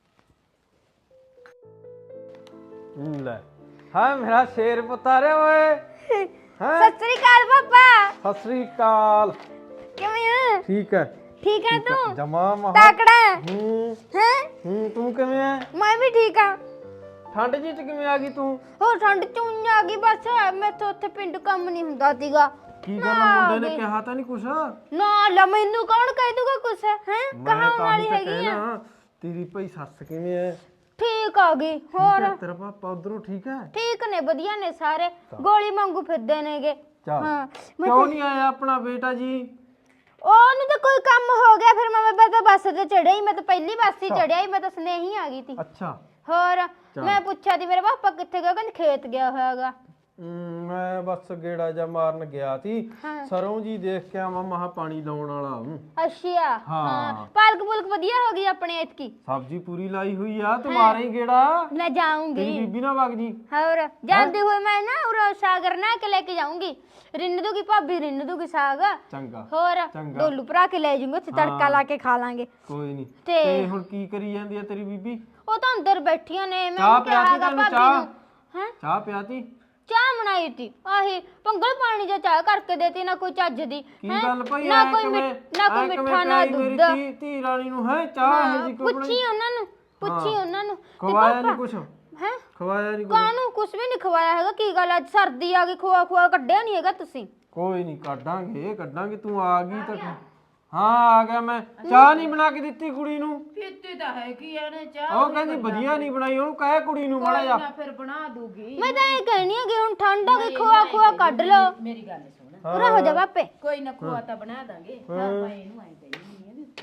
Speaker 2: ਲੈ ਹਾਂ ਮੇਰਾ ਸ਼ੇਰ ਪੁੱਤ ਆ ਰਿਹਾ ਓਏ। ਹਾਂ
Speaker 5: ਸਤਿ ਸ੍ਰੀ ਅਕਾਲ ਪਾਪਾ।
Speaker 2: ਸਤਿ ਸ੍ਰੀ ਅਕਾਲ।
Speaker 5: ਕਿਵੇਂ ਆ?
Speaker 2: ਠੀਕ ਹੈ
Speaker 5: ਠੀਕ ਹੈ ਤੂੰ?
Speaker 2: ਜਮਾ ਮਹਾ
Speaker 5: ਤਾਕੜਾ
Speaker 2: ਹੂੰ ਤੂੰ ਕਿਵੇਂ ਹੈ?
Speaker 5: ਮੈਂ ਵੀ ਠੀਕ ਆ।
Speaker 2: ਠੰਡ ਜੀ ਚ ਕਿਵੇਂ ਆ ਗਈ ਤੂੰ?
Speaker 5: ਹੋਰ ਠੰਡ ਚੂੰ ਆ ਗਈ ਬਸ, ਮੈਂ ਤਾਂ ਉੱਥੇ ਪਿੰਡ ਕੰਮ ਨਹੀਂ ਹੁੰਦਾ ਸੀਗਾ।
Speaker 2: ਕੀ ਗੱਲ ਮੁੰਡੇ ਨੇ ਕਿਹਾ ਤਾਂ ਨਹੀਂ ਕੁਛ?
Speaker 5: ਨਾ ਲਾ ਮੈਨੂੰ ਕੌਣ ਕਹਿ ਦੂਗਾ ਕੁਛ ਹੈ? ਕਹਾਉਣ ਵਾਲੀ ਹੈਗੀ ਆ।
Speaker 2: ਤੇਰੀ ਭਾਈ ਸੱਸ ਕਿਵੇਂ ਹੈ?
Speaker 5: ਠੀਕ ਆ ਗਈ। ਹੋਰ
Speaker 2: ਤੇਰਾ ਪਾਪਾ ਉਧਰੋਂ ਠੀਕ ਹੈ?
Speaker 5: ਠੀਕ ਨੇ, ਵਧੀਆ ਨੇ ਸਾਰੇ, ਗੋਲੀ ਵਾਂਗੂ ਫਿਰਦੇ ਨੇਗੇ।
Speaker 2: ਹਾਂ ਕਿਉਂ ਨਹੀਂ ਆਇਆ ਆਪਣਾ ਬੇਟਾ ਜੀ?
Speaker 5: ਉਹਨੂੰ ਤਾਂ ਕੋਈ ਕੰਮ ਹੋ ਗਿਆ, ਫਿਰ ਮੈਂ ਤਾਂ ਬੱਸ ਤੇ ਚੜਿਆ ਹੀ, ਮੈਂ ਤਾਂ ਪਹਿਲੀ ਬੱਸ ਹੀ ਚੜਿਆ ਹੀ, ਮੈਂ ਤਾਂ ਸਨੇਹੀ ਆ ਗਈ ਸੀ।
Speaker 2: ਅੱਛਾ
Speaker 5: ਹੋਰ ਮੈਂ ਪੁੱਛਿਆ ਸੀ ਮੇਰੇ ਪਾਪਾ ਕਿੱਥੇ ਗਿਆ, ਕਹਿੰਦੇ ਖੇਤ ਗਿਆ ਹੋਇਆਗਾ।
Speaker 2: ਮੈਂ ਬਸ ਗੇੜਾ ਜਾ ਮਾਰਨ ਗਿਆ ਸੀ, ਸਰੋਂ ਜੀ ਦੇਖ ਕੇ ਆਵਾਂ, ਮਹਾ ਪਾਣੀ ਲਾਉਣ ਵਾਲਾ ਹੂੰ।
Speaker 5: ਅੱਛਾ ਹਾਂ, ਪਾਲਕ ਪੁਲਕ ਵਧੀਆ ਹੋ ਗਈ ਆਪਣੇ ਇਤਕੀ,
Speaker 2: ਸਬਜ਼ੀ ਪੂਰੀ ਲਾਈ ਹੋਈ ਆ, ਤੂੰ ਮਾਰੇ ਹੀ ਗੇੜਾ।
Speaker 5: ਮੈਂ ਜਾਊਂਗੀ।
Speaker 2: ਤੇਰੀ ਬੀਬੀ ਨਾ ਵਗ ਜੀ।
Speaker 5: ਹੋਰ ਜਾਂਦੇ ਹੋਏ ਮੈਂ ਨਾ ਉਹ ਸਾਗਰ ਨਾ ਕੇ ਲੈ ਕੇ ਜਾਊਂਗੀ, ਰਿੰਨ ਦੂਗੀ ਭਾਬੀ, ਰਿੰਨ ਦੂਗੀ ਸਾਗ।
Speaker 2: ਚੰਗਾ
Speaker 5: ਹੋਰ ਡੋਲੂ ਭਰਾ ਕੇ ਲੈ ਜਾਊਂਗੇ, ਉੱਥੇ ਤੜਕਾ ਲਾ ਕੇ ਖਾ ਲਾਂਗੇ।
Speaker 2: ਕੋਈ ਨਹੀਂ।
Speaker 5: ਤੇ
Speaker 2: ਤੇ ਹੁਣ ਕੀ ਕਰੀ ਜਾਂਦੀ ਆ ਤੇਰੀ ਬੀਬੀ?
Speaker 5: ਉਹ ਤਾਂ ਅੰਦਰ ਬੈਠੀਆਂ ਨੇ, ਮੈਂ
Speaker 2: ਚਾਹ
Speaker 5: ਕਿਹਾ
Speaker 2: ਪਿਆਤੀ
Speaker 5: ਹੈਗਾ
Speaker 2: ਤੈਨੂੰ?
Speaker 5: ਭਾਬੀ
Speaker 2: ਚਾਹ
Speaker 5: ਨੂੰ। ਹੈਂ
Speaker 2: ਚਾਹ ਪਿਆਤੀ?
Speaker 5: ਚਾਹ ਬਣਾਈ ਤੀ, ਆਹੀ ਪੰਗਲ ਪਾਣੀ ਜਾਂ ਚਾਹ ਕਰਕੇ ਦੇਤੀ, ਨਾ ਕੋਈ ਚੱਜ ਦੀ।
Speaker 2: ਕੀ ਗੱਲ ਭਾਈ,
Speaker 5: ਨਾ ਕੋਈ ਮਿੱਠਾ ਨਾ ਦੁੱਧ।
Speaker 2: ਧੀ ਰਾਣੀ ਨੂੰ ਹੈ ਚਾਹ ਹੈ ਜੀ ਕੋਈ?
Speaker 5: ਪੁੱਛੀ ਉਹਨਾਂ ਨੂੰ, ਪੁੱਛੀ ਉਹਨਾਂ ਨੂੰ।
Speaker 2: ਖਵਾਇਆ ਨਹੀਂ ਕੁਛ?
Speaker 5: ਹੈ
Speaker 2: ਖਵਾਇਆ ਨਹੀਂ ਕੁਛ?
Speaker 5: ਕਾਹਨੂੰ ਕੁਛ ਵੀ ਨਹੀਂ ਖਵਾਇਆ ਹੈਗਾ। ਕੀ ਗੱਲ ਅੱਜ ਸਰਦੀ ਆ ਗਈ, ਖੋਆ ਕੱਢਿਆ ਨਹੀਂ ਹੈਗਾ ਤੁਸੀਂ?
Speaker 2: ਕੋਈ ਨਹੀਂ, ਕੱਢਾਂਗੇ, ਤੂੰ ਆ ਗਈ ਤਾਂ। ਹਾਂ ਆ ਗਿਆ ਮੈਂ। ਚਾਹ ਨਹੀਂ ਬਣਾ ਕੇ ਦਿੱਤੀ ਕੁੜੀ ਨੂੰ?
Speaker 4: ਪੀਤੀ ਤਾਂ ਹੈਗੀ ਆ ਨੇ ਚਾਹ,
Speaker 2: ਉਹ ਕਹਿੰਦੀ ਵਧੀਆ ਨਹੀਂ ਬਣਾਈ, ਉਹਨੂੰ ਕਹਿ ਕੁੜੀ ਨੂੰ ਮਾੜਾ ਜਾ।
Speaker 4: ਫਿਰ ਬਣਾ ਦੂਗੀ।
Speaker 5: ਮੈਂ ਤਾਂ ਇਹ ਕਹਿਣੀ ਆ ਕਿ ਹੁਣ ਠੰਡ ਆ ਗਈ, ਖੋਆ ਕੱਢ ਲਓ।
Speaker 4: ਮੇਰੀ ਗੱਲ ਸੁਣ,
Speaker 5: ਪੂਰਾ ਹੋ ਜਾ ਬਾਪੇ।
Speaker 4: ਕੋਈ ਨਾ ਖੋਆ ਤਾਂ ਬਣਾ ਦਾਂਗੇ। ਆਪਾਂ ਇਹਨੂੰ ਐਂ ਕਹਿੰਦੀ ਨਹੀਂ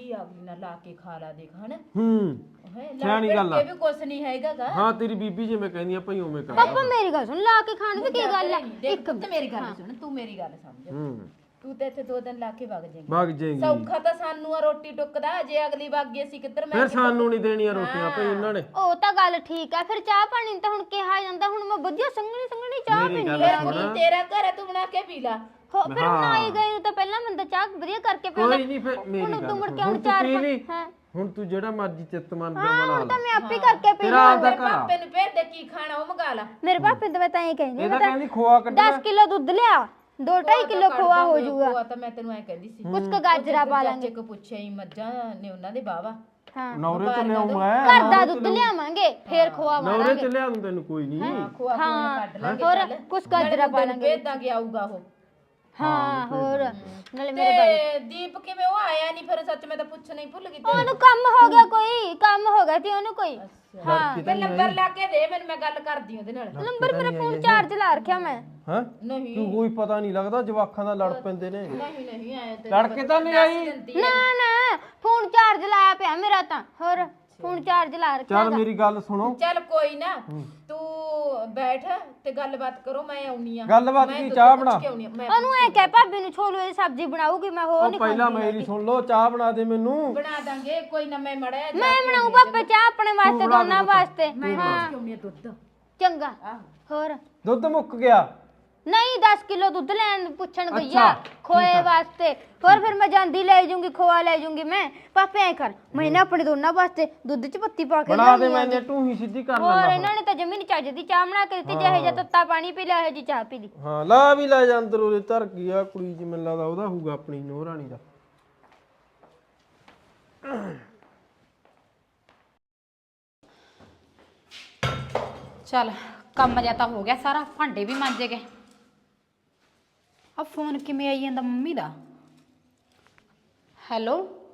Speaker 6: ਰੋਟੀ ਅਗਲੀ ਨਾਲ ਲਾ ਕੇ ਖਾ ਲਾ ਦੇਖ ਹਨਾ
Speaker 2: ਹੂੰ ਸਿਆਣੀ ਗੱਲ ਆ।
Speaker 6: ਇਹ ਵੀ ਕੁਛ ਨਹੀਂ ਹੈਗਾਗਾ।
Speaker 2: ਹਾਂ ਤੇਰੀ ਬੀਬੀ ਜਿਵੇਂ ਕਹਿੰਦੀ ਆ ਭਾਈ ਉਵੇਂ ਕਰ
Speaker 5: ਪਾਪਾ ਮੇਰੀ ਗੱਲ ਸੁਣ, ਲਾ ਕੇ ਖਾਣ ਦੀ ਕੀ ਗੱਲ ਆ?
Speaker 6: ਦੇਖ ਪੁੱਤ ਮੇਰੀ ਗੱਲ ਸੁਣ, ਤੂੰ ਮੇਰੀ ਗੱਲ ਸਮਝ।
Speaker 2: ਹੂੰ
Speaker 6: ਤੂੰ ਤੇ ਇੱਥੇ 2 ਦਿਨ ਲਾ ਕੇ ਵਗ ਜਾਏਂਗੀ।
Speaker 2: ਵਗ ਜਾਏਗੀ
Speaker 6: ਸੌਖਾ ਤਾਂ ਸਾਨੂੰ ਆ ਰੋਟੀ ਟੁੱਕਦਾ, ਜੇ ਅਗਲੀ ਵਗ ਗਈ ਅਸੀਂ ਕਿੱਧਰ ਮੈਂ
Speaker 2: ਫਿਰ ਸਾਨੂੰ ਨਹੀਂ ਦੇਣੀਆਂ ਰੋਟੀਆਂ ਭਾਈ ਇਹਨਾਂ ਨੇ।
Speaker 5: ਉਹ ਤਾਂ ਗੱਲ ਠੀਕ ਆ, ਫਿਰ ਚਾਹ ਪਾਣੀ ਤਾਂ ਹੁਣ ਕਿਹਾ ਜਾਂਦਾ, ਹੁਣ ਮੈਂ ਵਧੀਆ ਸੰਘਣੀ ਸੰਘਣੀ ਚਾਹ
Speaker 2: ਮੇਰੀ
Speaker 5: ਪੀਣੀ
Speaker 2: ਗੱਲ
Speaker 5: ਆ।
Speaker 2: ਸੁਣ।
Speaker 6: ਤੇਰਾ ਘਰ ਹੈ, ਤੂੰ ਬਣਾ ਕੇ ਪੀ ਲਾ।
Speaker 5: ਫਿਰ ਹੁਣ ਆਈ ਗਈ ਨੂੰ ਤਾਂ ਪਹਿਲਾਂ ਬੰਦਾ ਚਾਹ ਵਧੀਆ ਕਰਕੇ ਪੀਂਦਾ।
Speaker 2: ਕੋਈ ਨਹੀਂ ਫਿਰ ਮੇਰੀ ਗੱਲ
Speaker 5: ਤੂੰ ਮੁੜ ਕੇ
Speaker 2: ਹੁਣ
Speaker 5: ਹੁਣ
Speaker 2: ਤੂੰ
Speaker 5: ਚਾਰ
Speaker 2: ਪੀ ਲਈ
Speaker 5: ਹਾਂ
Speaker 2: ਹੁਣ ਤੂੰ ਜਿਹੜਾ ਮਰਜ਼ੀ ਚਿੱਤ ਮੰਨਦਾ
Speaker 5: ਹਾਂ
Speaker 2: ਬਣਾ
Speaker 5: ਹੁਣ ਤਾਂ
Speaker 2: ਲਾ
Speaker 5: ਮੈਂ ਆਪੇ ਕਰਕੇ ਪੀ
Speaker 2: ਤੇਰਾ ਆਪਦਾ ਘਰ ਆ।
Speaker 6: ਪਾਪੇ ਨੂੰ ਭੇਜ ਦੇ, ਕੀ ਖਾਣਾ ਉਹ ਮੰਗਾ ਲਾ।
Speaker 5: ਮੇਰੇ ਪਾਪੇ ਤਾਂ ਮੈਂ ਤਾਂ ਇਹ ਕਹਿੰਦੀ
Speaker 2: ਇਹਦਾ
Speaker 5: ਮੈਂ ਤਾਂ
Speaker 2: ਕਹਿੰਦੀ ਖੋਆ ਕੱਢਣਾ
Speaker 5: 10 ਕਿਲੋ ਦੁੱਧ ਲਿਆ, 2.5 ਕਿਲੋ ਖੋਆ ਹੋ ਜਾਊਗਾ,
Speaker 6: ਖੋਆ ਤਾਂ ਮੈਂ ਤੈਨੂੰ ਐ ਕਹਿੰਦੀ ਸੀ।
Speaker 5: ਕੁਛ ਕ ਗਾਜਰਾ ਪਾ ਲਾਂਗੇ।
Speaker 6: ਚਾਚੇ ਕੋ ਪੁੱਛਿਆ ਹੀ ਮੱਝਾਂ ਨੇ ਉਹਨਾਂ ਦੇ ਬਾਵਾ।
Speaker 5: ਹਾਂ
Speaker 2: ਨੌਰੇ ਤੋਂ ਲਿਆਉਂ ਮੈਂ
Speaker 5: ਘਰ ਦਾ ਦੁੱਧ ਲਿਆਵਾਂਗੇ, ਫੇਰ ਖੋਆ
Speaker 2: ਨੌਰੇ
Speaker 5: ਮਾਰਾਂਗੇ।
Speaker 2: ਚ ਲਿਆ ਦੂੰ ਤੈਨੂੰ ਕੋਈ ਨਹੀਂ
Speaker 6: ਖੋਆ ਖੋਆ ਕੱਢ ਲਾਂਗੇ।
Speaker 5: ਹੋਰ
Speaker 6: ਚੱਲ।
Speaker 5: ਕੁਛ ਗਾਜਰਾ ਪਾ
Speaker 6: ਨਾਲੇ
Speaker 5: ਲਾਂਗੇ।
Speaker 6: ਭੇਜ ਦਾਂਗੇ, ਆਊਗਾ ਉਹ।
Speaker 5: ਹਾਂ ਹੋਰ ਨਾਲੇ ਮੇਰੇ ਬਾਈ
Speaker 6: ਤੇ ਦੀਪ ਕਿਵੇਂ ਉਹ ਆਇਆ ਨਹੀਂ ਫਿਰ? ਸੱਚ ਮੈਂ ਤਾਂ ਪੁੱਛਣਾ ਹੀ ਭੁੱਲ ਗਈ।
Speaker 5: ਉਹਨੂੰ ਕੰਮ ਹੋ ਗਿਆ, ਕੋਈ ਕੰਮ ਹੋ ਗਿਆ ਸੀ ਉਹਨੂੰ ਕੋਈ। ਹਾਂ
Speaker 6: ਮੈਂ ਨੰਬਰ ਲਾ ਕੇ ਦੇ ਮੈਨੂੰ, ਮੈਂ ਗੱਲ ਕਰਦੀ ਉਹਦੇ ਨਾਲ।
Speaker 5: ਨੰਬਰ ਮੇਰਾ ਫੋਨ ਚਾਰਜ ਲਾ ਰੱਖਿਆ ਮੈਂ।
Speaker 2: ਹਾਂ
Speaker 6: ਨਹੀਂ
Speaker 2: ਤੂੰ ਕੋਈ ਪਤਾ ਨਹੀਂ ਲੱਗਦਾ ਜਵਾਖਾਂ ਦਾ ਲੜ ਪੈਂਦੇ ਨੇ।
Speaker 6: ਨਹੀਂ ਆਇਆ ਤੇ
Speaker 2: ਲੜ ਕੇ ਤਾਂ ਨਹੀਂ ਆਈ।
Speaker 5: ਨਾ ਨਾ ਫੋਨ ਚਾਰਜ ਲਾਇਆ ਪਿਆ ਮੇਰਾ ਤਾਂ, ਹੋਰ ਫੋਨ ਚਾਰਜ ਲਾ ਰੱਖਿਆ।
Speaker 2: ਚੱਲ ਮੇਰੀ ਗੱਲ ਸੁਣੋ।
Speaker 6: ਚੱਲ ਕੋਈ ਨਾ, ਤੂੰ ਬੈਠ ਤੇ ਗੱਲਬਾਤ ਕਰੋ, ਮੈਂ ਆਉਣੀ ਆ।
Speaker 2: ਗੱਲਬਾਤ ਕੀ, ਚਾਹ ਬਣਾ।
Speaker 6: ਮੈਂ
Speaker 5: ਉਹਨੂੰ ਐ ਕਹਿ ਭਾਬੀ ਨੂੰ ਛੋਲੂ ਦੀ ਸਬਜ਼ੀ ਬਣਾਉਗੀ, ਮੈਂ ਹੋਰ
Speaker 2: ਉਹ
Speaker 5: ਨਹੀਂ
Speaker 2: ਪਹਿਲਾਂ ਮੇਰੀ ਸੁਣ ਲਓ, ਚਾਹ ਬਣਾ ਦੇ ਮੈਨੂੰ।
Speaker 6: ਬਣਾ ਦਾਂਗੇ, ਕੋਈ ਨਾ। ਮੈਂ ਮੜਿਆ
Speaker 5: ਮੈਂ ਬਣਾਉ ਪਾਪਾ ਚਾਹ ਆਪਣੇ ਵਾਸਤੇ, ਦੋਨਾਂ ਵਾਸਤੇ। ਹਾਂ
Speaker 6: ਆਉਣੀ ਆ ਦੁੱਧ।
Speaker 5: ਚੰਗਾ ਹੋਰ
Speaker 2: ਦੁੱਧ ਮੁੱਕ ਗਿਆ।
Speaker 5: ਨਹੀਂ 10 ਕਿਲੋ ਦੁੱਧ ਲੈਣ ਪੁੱਛਣ ਗਈ ਆ
Speaker 2: ਅੱਛਾ,
Speaker 5: ਖੋਏ ਵਾਸਤੇ। ਹੋਰ ਫਿਰ ਮੈਂ ਜਾਂਦੀ ਲੈ ਜੂੰਗੀ, ਖੋਆ ਲੈ ਜੂੰਗੀ ਮੈਂ। ਪਾਪੇ ਐ ਕਰ, ਮੈਂ ਨਾ ਆਪਣੇ ਦੋਨਾਂ ਵਾਸਤੇ ਦੁੱਧ 'ਚ ਪੱਤੀ ਪਾ ਕੇ
Speaker 2: ਬਣਾ ਦੇ,
Speaker 5: ਲਿਆਉਂਦੀ ਆ।
Speaker 2: ਮੈਨੇ ਟੂਹੀ ਸਿੱਧੀ ਕਰ
Speaker 5: ਹੋਰ
Speaker 2: ਲੈਣਾ।
Speaker 5: ਇਹਨਾਂ ਨੇ ਤਾਂ ਜਮੀ ਨੀ ਚੱਜ ਦੀ ਚਾਹ ਬਣਾ ਕੇ ਦਿੱਤੀ, ਜਿਹੇ ਜਿਹਾ ਤੱਤਾ ਪਾਣੀ ਪੀ ਲਿਆ, ਇਹੋ ਜਿਹੀ ਚਾਹ ਪੀ ਲਈ।
Speaker 2: ਹਾਂ ਲਾ ਵੀ ਲੈ ਜਾ ਅੰਦਰ, ਉਹਦੇ ਧਰ ਗਈ ਆ ਕੁੜੀ ਜੀ, ਮੈਨੂੰ ਲੱਗਦਾ ਉਹਦਾ ਹੋਊਗਾ ਆਪਣੀ ਨੂੰਹ ਰਾਣੀ ਦਾ।
Speaker 3: ਚੱਲ ਕੰਮ ਜਿਹਾ ਤਾਂ ਹੋ ਗਿਆ ਸਾਰਾ, ਭਾਂਡੇ ਵੀ ਮਾਂਜੇ ਗਏ। ਆ ਫੋਨ ਕਿਵੇਂ ਆਈ ਜਾਂਦਾ ਮੰਮੀ ਦਾ? ਹੈਲੋ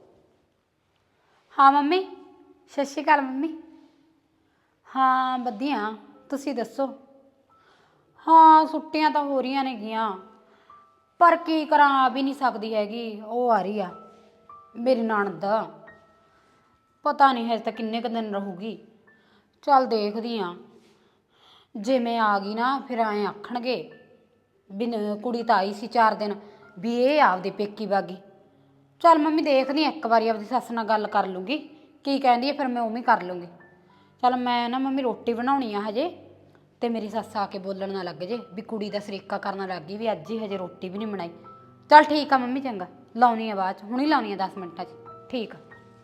Speaker 3: ਹਾਂ ਮੰਮੀ, ਸਤਿ ਸ਼੍ਰੀ ਅਕਾਲ ਮੰਮੀ। ਹਾਂ ਵਧੀਆ, ਤੁਸੀਂ ਦੱਸੋ? ਹਾਂ ਛੁੱਟੀਆਂ ਤਾਂ ਹੋ ਰਹੀਆਂ ਨੇਗੀਆਂ, ਪਰ ਕੀ ਕਰਾਂ, ਆ ਵੀ ਨਹੀਂ ਸਕਦੀ ਹੈਗੀ। ਉਹ ਆ ਰਹੀ ਆ ਮੇਰੀ ਨਣਦ, ਪਤਾ ਨਹੀਂ ਹਜੇ ਤੱਕ ਕਿੰਨੇ ਕੁ ਦਿਨ ਰਹੂਗੀ। ਚੱਲ ਦੇਖਦੀ ਆ, ਜੇ ਮੈਂ ਆ ਗਈ ਨਾ ਫਿਰ ਐਂ ਆਖਣਗੇ ਵੀ ਕੁੜੀ ਤਾਂ ਆਈ ਸੀ 4 ਦਿਨ, ਵੀ ਇਹ ਆਪਦੇ ਪੇਕੀ ਬਾਗੀ। ਚੱਲ ਮੰਮੀ ਦੇਖਦੀ ਇੱਕ ਵਾਰੀ ਆਪਦੀ ਸੱਸ ਨਾਲ ਗੱਲ ਕਰ ਲੂੰਗੀ, ਕੀ ਕਹਿੰਦੀ ਹੈ ਫਿਰ ਮੈਂ ਉਵੇਂ ਕਰ ਲੂੰਗੀ। ਚੱਲ ਮੈਂ ਨਾ ਮੰਮੀ ਰੋਟੀ ਬਣਾਉਣੀ ਆ ਹਜੇ, ਤੇ ਮੇਰੀ ਸੱਸ ਆ ਕੇ ਬੋਲਣ ਨਾ ਲੱਗ ਜੇ ਵੀ ਕੁੜੀ ਦਾ ਸਰੀਕਾ ਕਰਨ ਲੱਗ ਗਈ ਵੀ ਅੱਜ ਹੀ ਹਜੇ ਰੋਟੀ ਵੀ ਨਹੀਂ ਬਣਾਈ। ਚੱਲ ਠੀਕ ਆ ਮੰਮੀ, ਚੰਗਾ ਲਾਉਣੀ ਆ ਬਾਅਦ 'ਚ, ਹੁਣੀ ਲਾਉਣੀ ਆ 10 ਮਿੰਟਾਂ 'ਚ। ਠੀਕ ਆ।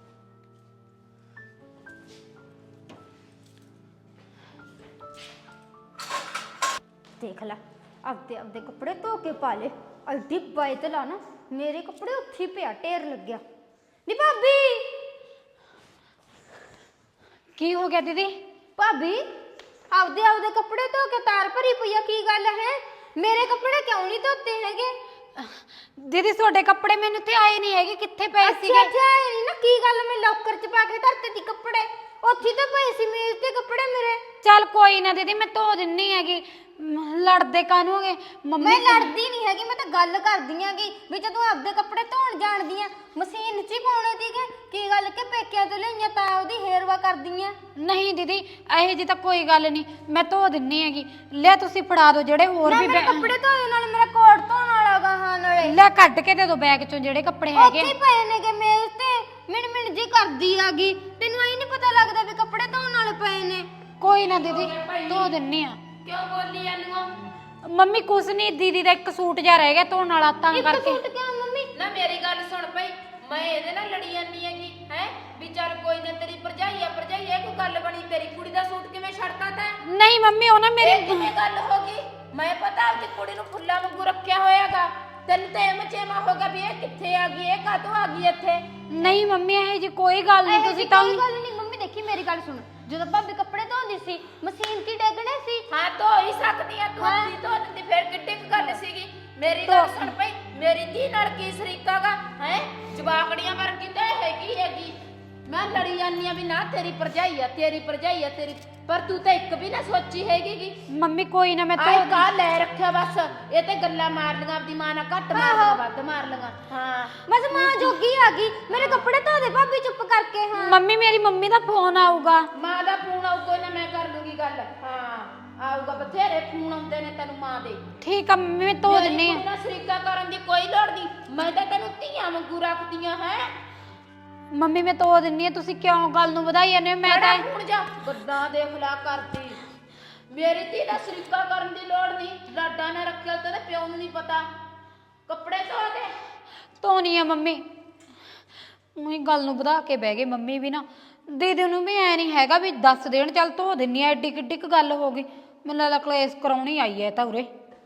Speaker 5: ਦੇਖ ਲੈ ਆਪਦੇ ਕੱਪੜੇ ਧੋ ਕੇ ਪਾ ਲੈ, ਅਲਦੀ ਬਾਈ ਤੇ ਲਾ ਨਾ, ਮੇਰੇ ਕੱਪੜੇ ਉੱਥੇ ਪਿਆ ਢੇਰ ਲੱਗਿਆ। ਨੀ ਭਾਬੀ,
Speaker 3: ਕੀ ਹੋ ਗਿਆ ਦੀਦੀ?
Speaker 5: ਭਾਬੀ ਆਪਦੇ ਕੱਪੜੇ ਧੋ ਕੇ ਤਾਰ ਭਰੀ ਪਈ ਆ, ਕੀ ਗੱਲ ਹੈ? ਮੇਰੇ ਕੱਪੜੇ ਕਿਉਂ ਨਹੀਂ ਧੋਤੇ ਹੈਗੇ?
Speaker 3: ਦੀਦੀ ਤੁਹਾਡੇ ਕੱਪੜੇ ਮੈਨੂੰ ਤੇ ਆਏ ਨਹੀਂ ਹੈਗੇ, ਕਿੱਥੇ ਪਏ ਸੀਗੇ?
Speaker 5: ਅੱਛਾ ਨਹੀਂ ਨਾ, ਕੀ ਗੱਲ ਮੈਂ ਲੋਕਰ 'ਚ ਪਾ ਕੇ ਧਰਤੇ ਸੀ ਕੱਪੜੇ, ਉੱਥੇ ਤਾਂ ਪਏ ਸੀ ਮੇਜ਼ ਤੇ ਕੱਪੜੇ ਮੇਰੇ।
Speaker 3: ਚੱਲ ਕੋਈ ਨਾ ਦੀਦੀ, ਮੈਂ ਧੋ ਦਿੰਨੀ ਹੈਗੀ, ਲੜਦੇ ਕਾਹਨੂੰ ਹੋਗੇ ਮੰਮੀ?
Speaker 5: ਮੈਂ ਲੜਦੀ ਨਹੀਂ ਹੈਗੀ, ਮੈਂ ਤਾਂ ਗੱਲ ਕਰਦੀ ਆਂਗੀ ਵੀ ਜਦੋਂ ਆਪਦੇ ਕੱਪੜੇ ਧੋਣ ਜਾਣਦੀ ਆ, ਮਸ਼ੀਨ 'ਚ ਹੀ ਪਾਉਣੇ ਸੀਗੇ। ਕੀ ਗੱਲ ਕਿ ਪੇਕਿਆਂ ਤੋਂ ਲਈਆਂ ਤਾਂ ਉਹਦੀ ਹੇਰਵਾ ਕਰਦੀ ਆ?
Speaker 3: ਨਹੀਂ ਦੀਦੀ ਇਹੋ ਜੀ ਤਾਂ ਕੋਈ ਗੱਲ ਨਹੀਂ, ਮੈਂ ਧੋ ਦਿੰਨੀ ਹੈਗੀ। ਲੈ ਤੁਸੀਂ ਫੜਾ ਦਿਓ ਜਿਹੜੇ ਹੋਰ ਵੀ
Speaker 5: ਮੇਰੇ ਕੱਪੜੇ ਧੋਏ, ਨਾਲ ਮੇਰਾ ਕੋਟ ਧੋਣ ਵਾਲਾ ਗਾ। ਹਾਂ ਨਾਲੇ
Speaker 3: ਲੈ ਕੱਢ ਕੇ ਦੇ ਦਿਓ ਬੈਗ ਚੋਂ ਜਿਹੜੇ ਕੱਪੜੇ ਹੈਗੇ।
Speaker 5: ਉੱਥੇ ਪਏ ਨੇਗੇ ਮੇਜ਼ ਤੇ, ਮਿੰਟ ਜੀ ਕਰਦੀ ਆਗੀ। ਤੈਨੂੰ ਐ ਨਹੀਂ ਪਤਾ ਲੱਗਦਾ ਵੀ ਕੱਪੜੇ ਧੋਣ ਵਾਲੇ ਪਏ ਨੇ?
Speaker 3: ਕੋਈ ਨਾ ਦੀਦੀ ਧੋ ਦਿੰਨੀ ਆ।
Speaker 1: ਕਿਉਂ ਬੋਲੀ ਇਹਨੂੰ?
Speaker 3: ਮੰਮੀ ਕੁਛ ਨਹੀਂ, ਦੀਦੀ ਦਾ ਇੱਕ ਸੂਟ ਜਿਹਾ ਰਹਿ ਗਿਆ ਧੋਣ ਵਾਲਾ ਤਾਂ
Speaker 5: ਇੱਕ
Speaker 3: ਕਰਕੇ।
Speaker 5: ਸੂਟ ਕਿਉਂ ਮੰਮੀ?
Speaker 1: ਨਾ ਮੇਰੀ ਗੱਲ ਸੁਣ ਪਈ, ਮੈਂ ਇਹਦੇ ਨਾਲ ਲੜੀ ਜਾਂਦੀ ਹੈਗੀ ਹੈ ਵੀ ਚੱਲ ਕੋਈ ਨਾ, ਤੇਰੀ ਭਰਜਾਈ ਆ ਭਰਜਾਈ, ਇਹ ਕੋਈ ਗੱਲ ਬਣੀ? ਤੇਰੀ ਕੁੜੀ ਦਾ ਸੂਟ ਕਿਵੇਂ ਛੱਡਤਾ ਤੈਂ?
Speaker 3: ਨਹੀਂ ਮੰਮੀ ਉਹ ਨਾ
Speaker 1: ਇਹ
Speaker 3: ਮੇਰੀ
Speaker 1: ਕਿਵੇਂ ਗੱਲ ਹੋ ਗਈ? ਮੈਂ ਪਤਾ ਆਪਦੀ ਕੁੜੀ ਨੂੰ ਫੁੱਲਾਂ ਵਾਂਗੂ ਰੱਖਿਆ ਹੋਇਆਗਾ, ਤੈਨੂੰ ਤਾਂ ਐਵੇਂ ਚੇਮਾ ਹੋਗਾ ਵੀ ਇਹ ਕਿੱਥੇ ਆ ਗਈ, ਇਹ ਕਾਹਤੋਂ ਆ ਗਈ ਇੱਥੇ?
Speaker 3: ਨਹੀਂ ਮੰਮੀ ਇਹ ਜੀ ਕੋਈ ਗੱਲ ਨਹੀਂ, ਤੁਸੀਂ ਤਾਂ
Speaker 5: ਕੋਈ ਗੱਲ ਨਹੀਂ ਮੰਮੀ। ਦੇਖੀ ਮੇਰੀ ਗੱਲ ਸੁਣ, ਜਦੋਂ ਭਾਬੀ ਕੱਪੜੇ ਧੋਂਦੀ ਸੀ ਮਸ਼ੀਨ ਕੀ ਡੇਗਣੇ ਸੀ?
Speaker 1: ਹਾਂ ਧੋ ਹੀ ਸਕਦੀ ਆ ਤੂੰ, ਆਪਣੀ ਧੋ ਦਿੰਦੀ, ਫਿਰ ਕਿੱਡੀ ਕੁ ਗੱਲ ਸੀਗੀ? ਮੇਰੀ ਗੱਲ ਸੁਣ ਪਈ, ਮੇਰੀ ਧੀ ਨਾਲ ਕੀ ਸਰੀਕਾਗਾ ਹੈ? ਜਵਾਕੜੀਆਂ ਵਰਗੀ ਤਾਂ ਹੈਗੀ। ਮੈਂ ਲੜੀ ਜਾਂਦੀ ਆ ਵੀ ਨਾ ਤੇਰੀ ਭਰਜਾਈ ਆ, ਤੇਰੀ ਭਰਜਾਈ ਆ ਤੇਰੀ, ਪਰ ਤੂੰ ਤਾਂ ਇੱਕ ਵੀ ਨਾ ਸੋਚੀ ਹੈਗੀ।
Speaker 3: ਮੰਮੀ ਕੋਈ ਨਾ, ਮੈਂ
Speaker 1: ਆਏ
Speaker 3: ਧੋ
Speaker 1: ਕਾ ਲੈ ਰੱਖਿਆ ਬਸ, ਇਹ ਤੇ ਗੱਲਾਂ ਮਾਰ ਲੀਆਂ, ਆਪਦੀ ਮਾਂ ਨਾਲ ਘੱਟ ਮਾਰ ਲੀਆਂ ਵੱਧ ਮਾਰ ਲੀਆਂ। ਹਾਂ
Speaker 5: ਬਸ ਮਾਂ ਜੋਗੀ ਆ ਗਈ ਮੇਰੇ ਕੱਪੜੇ ਧੋ ਦੇ ਭਾਬੀ ਚੁੱਪ ਕਰਕੇ। ਹਾਂ
Speaker 3: ਮੰਮੀ ਮੇਰੀ ਮੰਮੀ ਦਾ ਫੋਨ ਆਊਗਾ।
Speaker 1: ਮਾਂ ਦਾ ਫੋਨ ਆਊ ਕੋਈ ਨਾ, ਮੈਂ ਕਰ ਲੂੰਗੀ ਗੱਲ। ਹਾਂ ਆਊਗਾ, ਬਥੇਰੇ ਫੋਨ ਆਉਂਦੇ ਨੇ ਤੈਨੂੰ ਮਾਂ ਦੇ।
Speaker 3: ਠੀਕ ਆ ਮੰਮੀ ਮੈਂ ਧੋ ਦਿੰਨੀ ਆ।
Speaker 1: ਮੇਰੀ ਕੁੜੀ ਨਾਲ ਸ਼ਰੀਕਾ ਕਰਨ ਦੀ ਕੋਈ ਲੋੜ ਨਹੀਂ, ਮੈਂ ਤਾਂ ਤੈਨੂੰ ਧੀਆਂ ਵਾਂਗੂ ਰੱਖਦੀਆਂ ਹੈ।
Speaker 3: ਮੰਮੀ ਮੈਂ ਧੋ ਦਿੰਨੀ ਆ, ਤੁਸੀਂ ਕਿਉਂ ਗੱਲ ਨੂੰ ਵਧਾਈ ਜਾਂਦੇ ਹੋ? ਮੈਂ ਤਾਂ
Speaker 1: ਹੁਣ ਜਾ ਗੱਦਾਂ ਦੇਖ ਲਾ ਕਰਦੀ। ਮੇਰੀ ਧੀ ਦਾ ਸ਼ਰੀਕਾ ਕਰਨ ਦੀ ਲੋੜ ਨਹੀਂ, ਲਾਡਾ ਨੇ ਰੱਖਿਆ ਤੇ ਪਿਓ ਨੂੰ ਨਹੀਂ ਪਤਾ। ਕੱਪੜੇ ਧੋ ਦੇ।
Speaker 3: ਧੋਣੀ ਆ ਮੰਮੀ, ਉਹੀ ਗੱਲ ਨੂੰ ਵਧਾ ਕੇ ਬਹਿ ਗਏ ਮੰਮੀ ਵੀ ਨਾ। ਦੀਦੀ ਨੂੰ ਵੀ ਐ ਨਹੀਂ ਹੈਗਾ ਵੀ ਦੱਸ ਦੇਣ, ਚੱਲ ਧੋ ਦਿੰਨੀ ਆ। ਐਡੀ ਕਿੱਡੀ ਕੁ ਗੱਲ ਹੋ ਗਈ, ਮੈਨੂੰ ਲੱਗਦਾ ਕਲੇਸ਼ ਕਰਾਉਣੀ ਆਈ ਐ ਤਾਂ ਉਰੇ।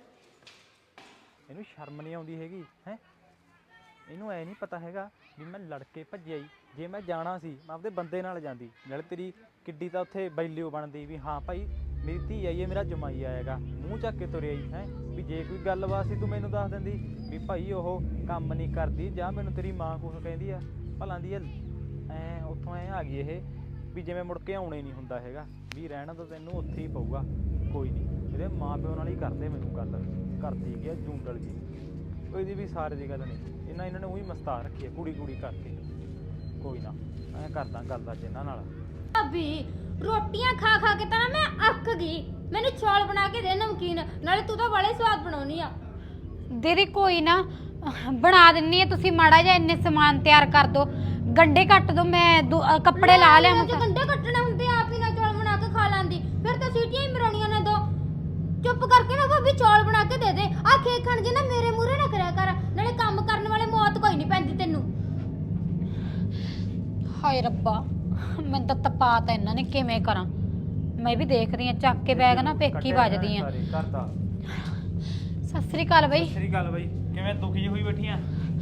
Speaker 7: ਇਹਨੂੰ ਸ਼ਰਮ ਨਹੀਂ ਆਉਂਦੀ ਹੈਗੀ ਹੈ। ਇਹਨੂੰ ਐ ਨਹੀਂ ਪਤਾ ਹੈਗਾ ਵੀ ਮੈਂ ਲੜ ਕੇ ਭੱਜਿਆ ਹੀ। ਜੇ ਮੈਂ ਜਾਣਾ ਸੀ ਮੈਂ ਆਪਦੇ ਬੰਦੇ ਨਾਲ ਜਾਂਦੀ, ਨਾਲੇ ਤੇਰੀ ਕਿੱਡੀ ਤਾਂ ਉੱਥੇ ਬੈਲਿਓ ਬਣਦੀ ਵੀ ਹਾਂ ਭਾਈ ਮੇਰੀ ਧੀ ਆਈ ਹੈ, ਮੇਰਾ ਜਮਾਈ ਆਏਗਾ, ਮੂੰਹ ਚੱਕ ਕੇ ਤੁਰਿਆ ਹੀ ਹੈ। ਵੀ ਜੇ ਕੋਈ ਗੱਲਬਾਤ ਸੀ ਤੂੰ ਮੈਨੂੰ ਦੱਸ ਦਿੰਦੀ ਵੀ ਭਾਈ ਉਹ ਕੰਮ ਨਹੀਂ ਕਰਦੀ, ਜਾਂ ਮੈਨੂੰ ਤੇਰੀ ਮਾਂ ਕੁਛ ਕਹਿੰਦੀ ਆ ਭਲਾਂ ਦੀ ਐ ਉੱਥੋਂ ਐ ਆ ਗਈ ਇਹ ਵੀ ਜਿਵੇਂ ਮੁੜ ਕੇ ਆਉਣੇ ਨਹੀਂ ਹੁੰਦਾ ਹੈਗਾ, ਵੀ ਰਹਿਣਾ ਤਾਂ ਤੈਨੂੰ ਉੱਥੇ ਹੀ ਪਊਗਾ। ਕੋਈ ਨਹੀਂ, ਇਹਦੇ ਮਾਂ ਪਿਓ ਨਾਲ ਹੀ ਕਰਦੇ ਮੈਨੂੰ ਗੱਲ, ਕਰਦੀ ਗਿਆ ਜੂੰਡਲ ਜੀ। ਇਹਦੀ ਵੀ ਸਾਰੇ ਦੀ ਗੱਲ ਨਹੀਂ, ਇਹਨਾਂ ਨੇ ਉਹੀ ਮਸਤਾ ਰੱਖੀ ਹੈ ਕੁੜੀ ਕਰਕੇ। ਕੋਈ ਨਾ ਮੈਂ ਕਰਦਾ ਗੱਲ ਅੱਜ ਇਹਨਾਂ ਨਾਲ।
Speaker 5: ਭਾਬੀ ਰੋਟੀਆਂ ਖਾ ਖਾ ਕੇ ਤਾਂ ਨਾ ਮੈਂ ਅੱਕ ਗਈ, ਮੈਨੂੰ ਚੌਲ ਬਣਾ ਕੇ ਦੇ ਨਮਕੀਨ, ਨਾਲੇ ਤੂੰ ਤਾਂ ਬੜੇ ਸਵਾਦ ਬਣਾਉਣੀ ਆ।
Speaker 3: ਦੀਦੀ ਕੋਈ ਨਾ ਬਣਾ ਦਿੰਨੀ ਆ, ਤੁਸੀਂ ਮਾੜਾ ਜਿਹਾ ਇੰਨੇ ਸਮਾਨ ਤਿਆਰ ਕਰ ਦੋ, ਗੰਡੇ ਕੱਟ ਦੋ, ਮੈਂ ਕੱਪੜੇ ਲਾ ਲਿਆ।
Speaker 5: ਜੇ ਗੰਡੇ ਕੱਟਣੇ ਹੁੰਦੇ ਆਪ ਹੀ ਨਾ ਚੌਲ ਬਣਾ ਕੇ ਖਾ ਲਾਂਦੀ, ਫਿਰ ਤਾਂ ਸੀਟੀਆਂ ਹੀ ਮਰਾਉਣੀਆਂ ਨੇ ਦੋ। ਚੁੱਪ ਕਰਕੇ ਨਾ ਭਾਬੀ ਚੌਲ ਬਣਾ ਕੇ ਦੇ ਦੇ। ਆ ਖੇਕ ਖਾਣ ਜੇ ਨਾ ਮੇਰੇ ਮੂਹਰੇ ਨਾ ਕਰਿਆ ਕਰ, ਨਾਲੇ ਕੰਮ ਕਰਨ ਵਾਲੇ ਮੌਤ ਕੋਈ ਨਹੀਂ ਪੈਂਦੀ ਤੈਨੂੰ।
Speaker 3: ਹਾਏ ਰੱਬਾ, ਮੈਨੂੰ ਤਾਂ ਤਪਾਤਾ ਇਹਨਾਂ ਨੇ, ਕਿਵੇਂ ਕਰਾਂ? ਮੈਂ ਵੀ ਦੇਖਦੀ ਆ, ਚੱਕ ਕੇ ਬੈਗ ਨਾ ਪੇਕੀ ਵੱਜਦੀ ਆ।
Speaker 7: ਕਰਦਾ
Speaker 3: ਸਤਿ ਸ੍ਰੀ ਅਕਾਲ ਬਈ।
Speaker 7: ਸ੍ਰੀ ਅਕਾਲ ਬਾਈ, ਕਿਵੇਂ ਦੁਖੀ ਜਿਹੀ ਹੋਈ ਬੈਠੀ ਆ?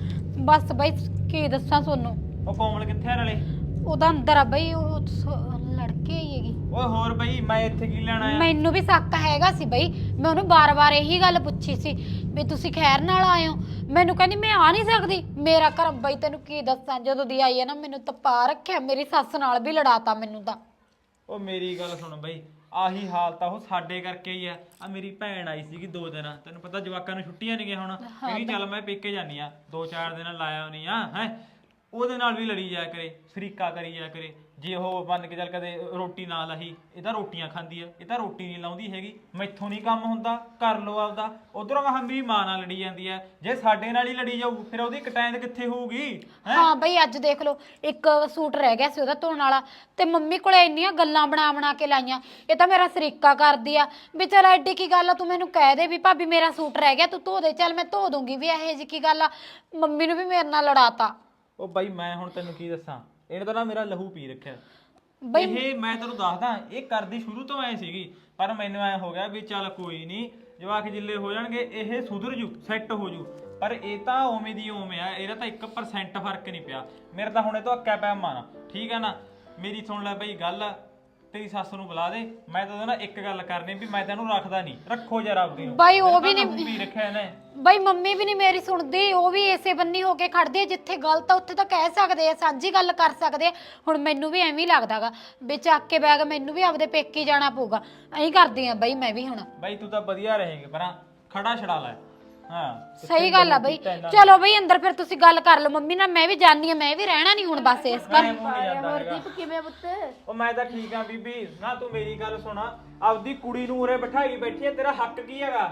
Speaker 3: ਬਸ ਬਈ ਕੀ ਦੱਸਾਂ ਤੁਹਾਨੂੰ,
Speaker 7: ਉਹ ਕੋਮਲ ਕਿੱਥੇ ਆ ਨਾਲੇ?
Speaker 3: ਉਹਦਾ ਅੰਦਰ ਆ ਬਈ, ਉਹ ਲੜਕੇ ਹੀ ਹੈਗੀ।
Speaker 7: ਓਏ ਹੋਰ ਬਈ ਮੈਂ ਇੱਥੇ ਕੀ ਲੈਣ ਆਇਆ?
Speaker 3: ਮੈਨੂੰ ਵੀ ਸ਼ੱਕ ਹੈਗਾ ਸੀ ਬਈ, ਮੈਂ ਉਹਨੂੰ ਬਾਰ-ਬਾਰ ਇਹੀ ਗੱਲ ਪੁੱਛੀ ਸੀ ਵੀ ਤੁਸੀਂ ਖੈਰ ਨਾਲ ਆਏ ਹੋ। ਮੈਨੂੰ ਕਹਿੰਦੀ ਮੈਂ ਆ ਨਹੀਂ ਸਕਦੀ। ਮੇਰਾ ਘਰ ਬਈ ਤੈਨੂੰ ਕੀ ਦੱਸਾਂ, ਜਦੋਂ ਦੀ ਆਈ ਹੈ ਨਾ ਮੈਨੂੰ ਤਪਾ ਰੱਖਿਆ, ਮੇਰੀ ਸੱਸ ਨਾਲ ਵੀ ਲੜਾਤਾ ਮੈਨੂੰ ਤਾਂ।
Speaker 7: ਉਹ ਮੇਰੀ ਗੱਲ ਸੁਣ ਬਈ, ਆਹੀ ਹਾਲ ਤਾਂ ਉਹ ਸਾਡੇ ਕਰਕੇ ਹੀ ਆ ਮੇਰੀ ਭੈਣ ਆਈ ਸੀਗੀ 2 ਦਿਨ, ਤੈਨੂੰ ਪਤਾ ਜਵਾਕਾਂ ਨੂੰ ਛੁੱਟੀਆਂ ਨਹੀਂ ਗਈਆਂ ਹੁਣ, ਕਹਿੰਦੀ ਚੱਲ ਮੈਂ ਪੇਕੇ ਜਾਨੀ ਆ 2-4 ਦਿਨ ਲਾਇਆ ਨਹੀਂ ਆ ਹੈ। ਉਹਦੇ ਨਾਲ ਵੀ ਲੜੀ ਜਾਇਆ ਕਰੇ, ਸ਼ਰੀਕਾ ਕਰੀ ਜਾਇਆ ਕਰੇ। ਜੇ ਉਹ ਮੰਨ ਕੇ ਚੱਲ ਕਦੇ ਰੋਟੀ ਨਾ ਲਾਹੀ, ਇਹ ਤਾਂ ਰੋਟੀਆਂ ਖਾਂਦੀ ਆ, ਇਹ ਤਾਂ ਰੋਟੀ ਨਹੀਂ ਲਾਉਂਦੀ ਹੈਗੀ। ਮੈਥੋਂ ਨਹੀਂ ਕੰਮ ਹੁੰਦਾ, ਕਰ ਲੋ ਆਪਦਾ। ਉਧਰੋਂ ਮੈਂ ਮੇਰੀ ਮਾਂ ਨਾਲ ਲੜੀ ਜਾਂਦੀ ਆ, ਜੇ ਸਾਡੇ ਨਾਲ ਹੀ ਲੜੀ ਜਾਊ ਫਿਰ ਉਹਦੀ ਕਟਾਇਤ ਕਿੱਥੇ ਹੋਊਗੀ?
Speaker 3: ਹਾਂ ਬਈ ਅੱਜ ਦੇਖ ਲਓ, ਇੱਕ ਸੂਟ ਰਹਿ ਗਿਆ ਸੀ ਉਹਦਾ ਧੋਣ ਵਾਲਾ, ਤੇ ਮੰਮੀ ਕੋਲੇ ਇੰਨੀਆਂ ਗੱਲਾਂ ਬਣਾ ਕੇ ਲਾਈਆਂ। ਇਹ ਤਾਂ ਮੇਰਾ ਸ਼ਰੀਕਾ ਕਰਦੀ ਆ ਵੀ ਚਲ ਐਡੀ ਕੀ ਗੱਲ ਆ, ਤੂੰ ਮੈਨੂੰ ਕਹਿ ਦੇ ਵੀ ਭਾਬੀ ਮੇਰਾ ਸੂਟ ਰਹਿ ਗਿਆ ਤੂੰ ਧੋ ਦੇ, ਚੱਲ ਮੈਂ ਧੋ ਦੂੰਗੀ। ਵੀ ਇਹੋ ਜਿਹੀ ਕੀ ਗੱਲ ਆ, ਮੰਮੀ ਨੂੰ ਵੀ ਮੇਰੇ ਨਾਲ ਲੜਾਤਾ।
Speaker 7: ਉਹ ਬਾਈ ਮੈਂ ਹੁਣ ਤੈਨੂੰ ਕੀ ਦੱਸਾਂ, ਇਹਨੇ ਤਾਂ ਨਾ ਮੇਰਾ ਲਹੂ ਪੀ ਰੱਖਿਆ
Speaker 3: ਬਈ।
Speaker 7: ਇਹ ਮੈਂ ਤੈਨੂੰ ਦੱਸਦਾ, ਇਹ ਕਰਦੀ ਸ਼ੁਰੂ ਤੋਂ ਐ ਸੀਗੀ, ਪਰ ਮੈਨੂੰ ਐ ਹੋ ਗਿਆ ਵੀ ਚੱਲ ਕੋਈ ਨਹੀਂ, ਜਵਾਕ ਜਿੱਲੇ ਹੋ ਜਾਣਗੇ ਇਹ ਸੁਧਰ ਜੂ, ਸੈੱਟ ਹੋ ਜੂ। ਪਰ ਇਹ ਤਾਂ ਉਵੇਂ ਦੀ ਉਵੇਂ ਆ, ਇਹਦਾ ਤਾਂ 1% ਫਰਕ ਨਹੀਂ ਪਿਆ। ਮੇਰਾ ਤਾਂ ਹੁਣੇ ਤੋਂ ਅੱਕਿਆ ਪਿਆ ਮਨ, ਠੀਕ ਆ ਨਾ? ਮੇਰੀ ਸੁਣ ਲੈ ਬਈ ਗੱਲ, ਤੇਰੀ ਸੱਸ ਨੂੰ ਬੁਲਾ ਦੇ, ਮੈਂ ਤਾਂ ਉਹਦੇ ਨਾਲ ਇੱਕ ਗੱਲ ਕਰਨੀ ਵੀ ਮੈਂ ਤੈਨੂੰ ਰੱਖਦਾ ਨਹੀਂ, ਰੱਖੋ ਯਾਰ ਆਪਦੀ ਨੂੰ।
Speaker 3: ਬਾਈ ਉਹ ਵੀ ਨਹੀਂ
Speaker 7: ਪੀ ਰੱਖਿਆ ਇਹਨੇ।
Speaker 3: ਬਈ ਮੰਮੀ ਵੀ ਨਹੀਂ ਮੇਰੀ ਸੁਣਦੀ, ਉਹ ਵੀ ਇਸੇ ਬੰਨੀ ਹੋ ਕੇ ਖੜਦੇ ਆ, ਜਿੱਥੇ ਗਲਤ ਆ ਉੱਥੇ ਤਾਂ ਕਹਿ ਸਕਦੇ ਆ, ਸਾਂਝੀ ਗੱਲ ਕਰ ਸਕਦੇ ਆ। ਹੁਣ ਮੈਨੂੰ ਵੀ ਐਵੇਂ ਹੀ ਲੱਗਦਾਗਾ ਵੀ ਚੱਕ ਕੇ ਬੈਗ ਮੈਨੂੰ ਵੀ ਆਪਦੇ ਪੇਕੇ ਜਾਣਾ ਪਊਗਾ, ਐਂ ਕਰਦੀ ਆ ਬਈ ਮੈਂ ਵੀ ਹੁਣ।
Speaker 7: ਬਾਈ ਤੂੰ ਤਾਂ ਵਧੀਆ ਰਹੇਂਗੇ, ਪਰ ਖੜਾ ਛੜਾ ਲੈ। ਹਾਂ
Speaker 3: ਸਹੀ ਗੱਲ ਆ ਬਈ। ਚਲੋ ਬਈ ਅੰਦਰ ਫਿਰ ਤੁਸੀਂ ਗੱਲ ਕਰ ਲਓ ਮੰਮੀ ਨਾਲ, ਮੈਂ ਵੀ ਜਾਣੀ ਆ, ਮੈਂ ਵੀ ਰਹਿਣਾ ਨਹੀਂ ਹੁਣ ਬਸ ਇਸ ਘਰ।
Speaker 1: ਹਰਦੀਪ ਕਿਵੇਂ ਪੁੱਤ?
Speaker 7: ਉਹ ਮੈਂ ਤਾਂ ਠੀਕ ਆ ਬੀਬੀ, ਨਾ ਤੂੰ ਮੇਰੀ ਗੱਲ ਸੁਣਾ, ਆਪਦੀ ਕੁੜੀ ਨੂੰ ਉਰੇ ਬਿਠਾਈ ਬੈਠੀ ਹੈ, ਤੇਰਾ ਹੱਕ ਕੀ ਹੈਗਾ?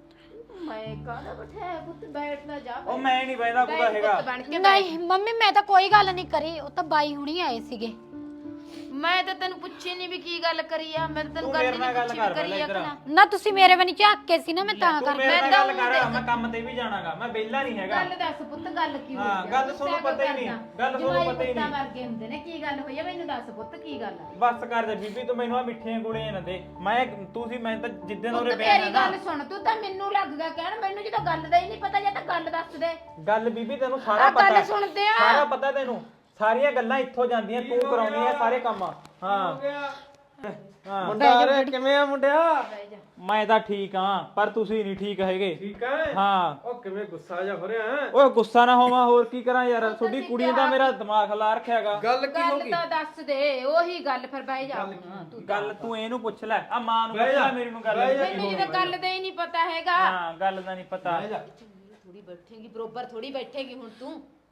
Speaker 1: ਮੈਂ ਕਾਹਦਾ ਬਿਠਾਇਆ ਪੁੱਤ, ਬੈਠ ਨਾ ਜਾ।
Speaker 7: ਉਹ ਮੈਂ ਨਹੀਂ ਬੈਠਦਾ ਕੁਦਾ ਹੈਗਾ।
Speaker 3: ਨਹੀਂ ਮੰਮੀ ਮੈਂ ਤਾਂ ਕੋਈ ਗੱਲ ਨਹੀਂ ਕਰੀ, ਉਹ ਤਾਂ ਬਾਈ ਹੁਣੀ ਆਏ ਸੀਗੇ।
Speaker 1: ਮੈਂ ਤਾਂ ਤੈਨੂੰ ਪੁੱਛੀ ਨਹੀਂ ਵੀ ਕੀ ਗੱਲ ਕਰੀ ਆ, ਮੈਂ ਤਾਂ ਤੈਨੂੰ
Speaker 7: ਤੂੰ
Speaker 1: ਗੱਲ
Speaker 7: ਮੇਰੇ ਨਾਲ
Speaker 1: ਨਹੀਂ
Speaker 7: ਗੱਲ
Speaker 1: ਪੁੱਛੀ
Speaker 7: ਕਰ
Speaker 1: ਵੀ ਕਰੀ ਆ
Speaker 7: ਇੱਧਰ।
Speaker 1: ਕਿ ਨਾ।
Speaker 3: ਨਾ ਤੁਸੀਂ ਮੇਰੇ ਵੱਲ ਝਾਕ ਕੇ ਸੀ ਨਾ, ਮੈਂ ਤਾਂ
Speaker 7: ਤੂੰ
Speaker 3: ਕਰ
Speaker 7: ਮੇਰੇ ਨਾਲ ਗੱਲ ਕਰ, ਮੈਂ ਕੰਮ ਤੇ ਵੀ ਜਾਣਾਗਾ, ਮੈਂ ਵਿਹਲਾ ਨਹੀਂ ਹੈਗਾ।
Speaker 1: ਗੱਲ ਦੱਸ ਪੁੱਤ, ਗੱਲ ਕੀ ਹੋਈ?
Speaker 7: ਹਾਂ, ਗੱਲ ਤੁਹਾਨੂੰ ਪਤਾ ਹੀ ਨਹੀਂ, ਗੱਲ ਤੁਹਾਨੂੰ ਪਤਾ ਹੀ ਨਹੀਂ।
Speaker 1: ਵਰਗੇ ਹੁੰਦੇ ਨੇ, ਕੀ ਗੱਲ ਹੋਈ ਆ ਮੈਨੂੰ ਦੱਸ ਪੁੱਤ, ਕੀ ਗੱਲ ਆ?
Speaker 7: ਬਸ ਕਰ ਜਾ ਬੀਬੀ, ਤੂੰ ਮੈਨੂੰ ਆ ਮਿੱਠੀਆਂ ਗੋਲੀਆਂ ਨਾ ਦੇ। ਮੈਂ ਤਾਂ ਜਿੱਦਣ
Speaker 1: ਪੁੱਤ
Speaker 7: ਉਰੇ
Speaker 1: ਮੇਰੀ
Speaker 7: ਬਿਆਨ
Speaker 1: ਗੱਲ ਸੁਣ, ਤੂੰ ਤਾਂ ਮੈਨੂੰ ਲੱਗ ਗਿਆ ਕਹਿਣ, ਮੈਨੂੰ ਜਦੋਂ ਗੱਲ ਦਾ ਹੀ ਨਹੀਂ ਪਤਾ, ਜਾਂ ਤਾਂ ਗੱਲ ਦੱਸ ਦੇ।
Speaker 7: ਗੱਲ ਬੀਬੀ ਤੈਨੂੰ ਸਾਰਾ
Speaker 1: ਆ ਗੱਲ
Speaker 7: ਪਤਾ,
Speaker 1: ਸੁਣਦੇ ਆ।
Speaker 7: ਸਾਰਾ ਪਤਾ ਤੈਨੂੰ, ਸਾਰੀਆਂ ਗੱਲਾਂ ਇੱਥੋਂ ਜਾਂਦੀਆਂ, ਤੂੰ ਕਰਾਉਣੀ ਆ ਸਾਰੇ ਕੰਮ। ਹਾਂ ਹਾਂ
Speaker 2: ਮੁੰਡਾ ਆ ਰਿਹਾ, ਕਿਵੇਂ ਆ ਮੁੰਡਿਆ?
Speaker 7: ਮੈਂ ਤਾਂ ਠੀਕ ਹਾਂ, ਪਰ ਤੁਸੀਂ ਨਹੀਂ ਠੀਕ ਹੈਗੇ।
Speaker 2: ਠੀਕ ਹੈ?
Speaker 7: ਹਾਂ।
Speaker 2: ਉਹ ਕਿਵੇਂ ਗੁੱਸਾ ਜਾ ਹੋ ਰਿਹਾ ਹੈ?
Speaker 7: ਓਏ ਗੁੱਸਾ ਨਾ ਹੋਵਾਂ, ਹੋਰ ਕੀ ਕਰਾਂ ਯਾਰ, ਤੁਹਾਡੀ ਕੁੜੀ ਨੇ ਤਾਂ ਮੇਰਾ ਦਿਮਾਗ ਲਾ ਰੱਖਿਆਗਾ।
Speaker 2: ਗੱਲ ਕੀ ਹੋ
Speaker 1: ਗੱਲ
Speaker 2: ਗਈ?
Speaker 1: ਤਾਂ ਦੱਸ ਦੇ, ਉਹੀ ਗੱਲ ਫਿਰ ਬਹਿ ਜਾ ਹੁਣ ਤੂੰ।
Speaker 7: ਗੱਲ ਤੂੰ ਇਹਨੂੰ ਪੁੱਛ ਲੈ, ਆ ਮਾਂ ਨੂੰ ਪੁੱਛ ਲੈ, ਮੇਰੀ ਨੂੰ ਗੱਲ
Speaker 1: ਮੈਨੂੰ ਜਦੋਂ ਗੱਲ ਦਾ ਹੀ ਨਹੀਂ ਪਤਾ ਹੈਗਾ।
Speaker 7: ਹਾਂ ਗੱਲ ਦਾ ਨਹੀਂ ਪਤਾ।
Speaker 1: ਥੋੜੀ ਬੈਠੇਗੀ, ਬਰੋਬਰ ਥੋੜੀ ਬੈਠੇਗੀ ਹੁਣ ਤੂੰ।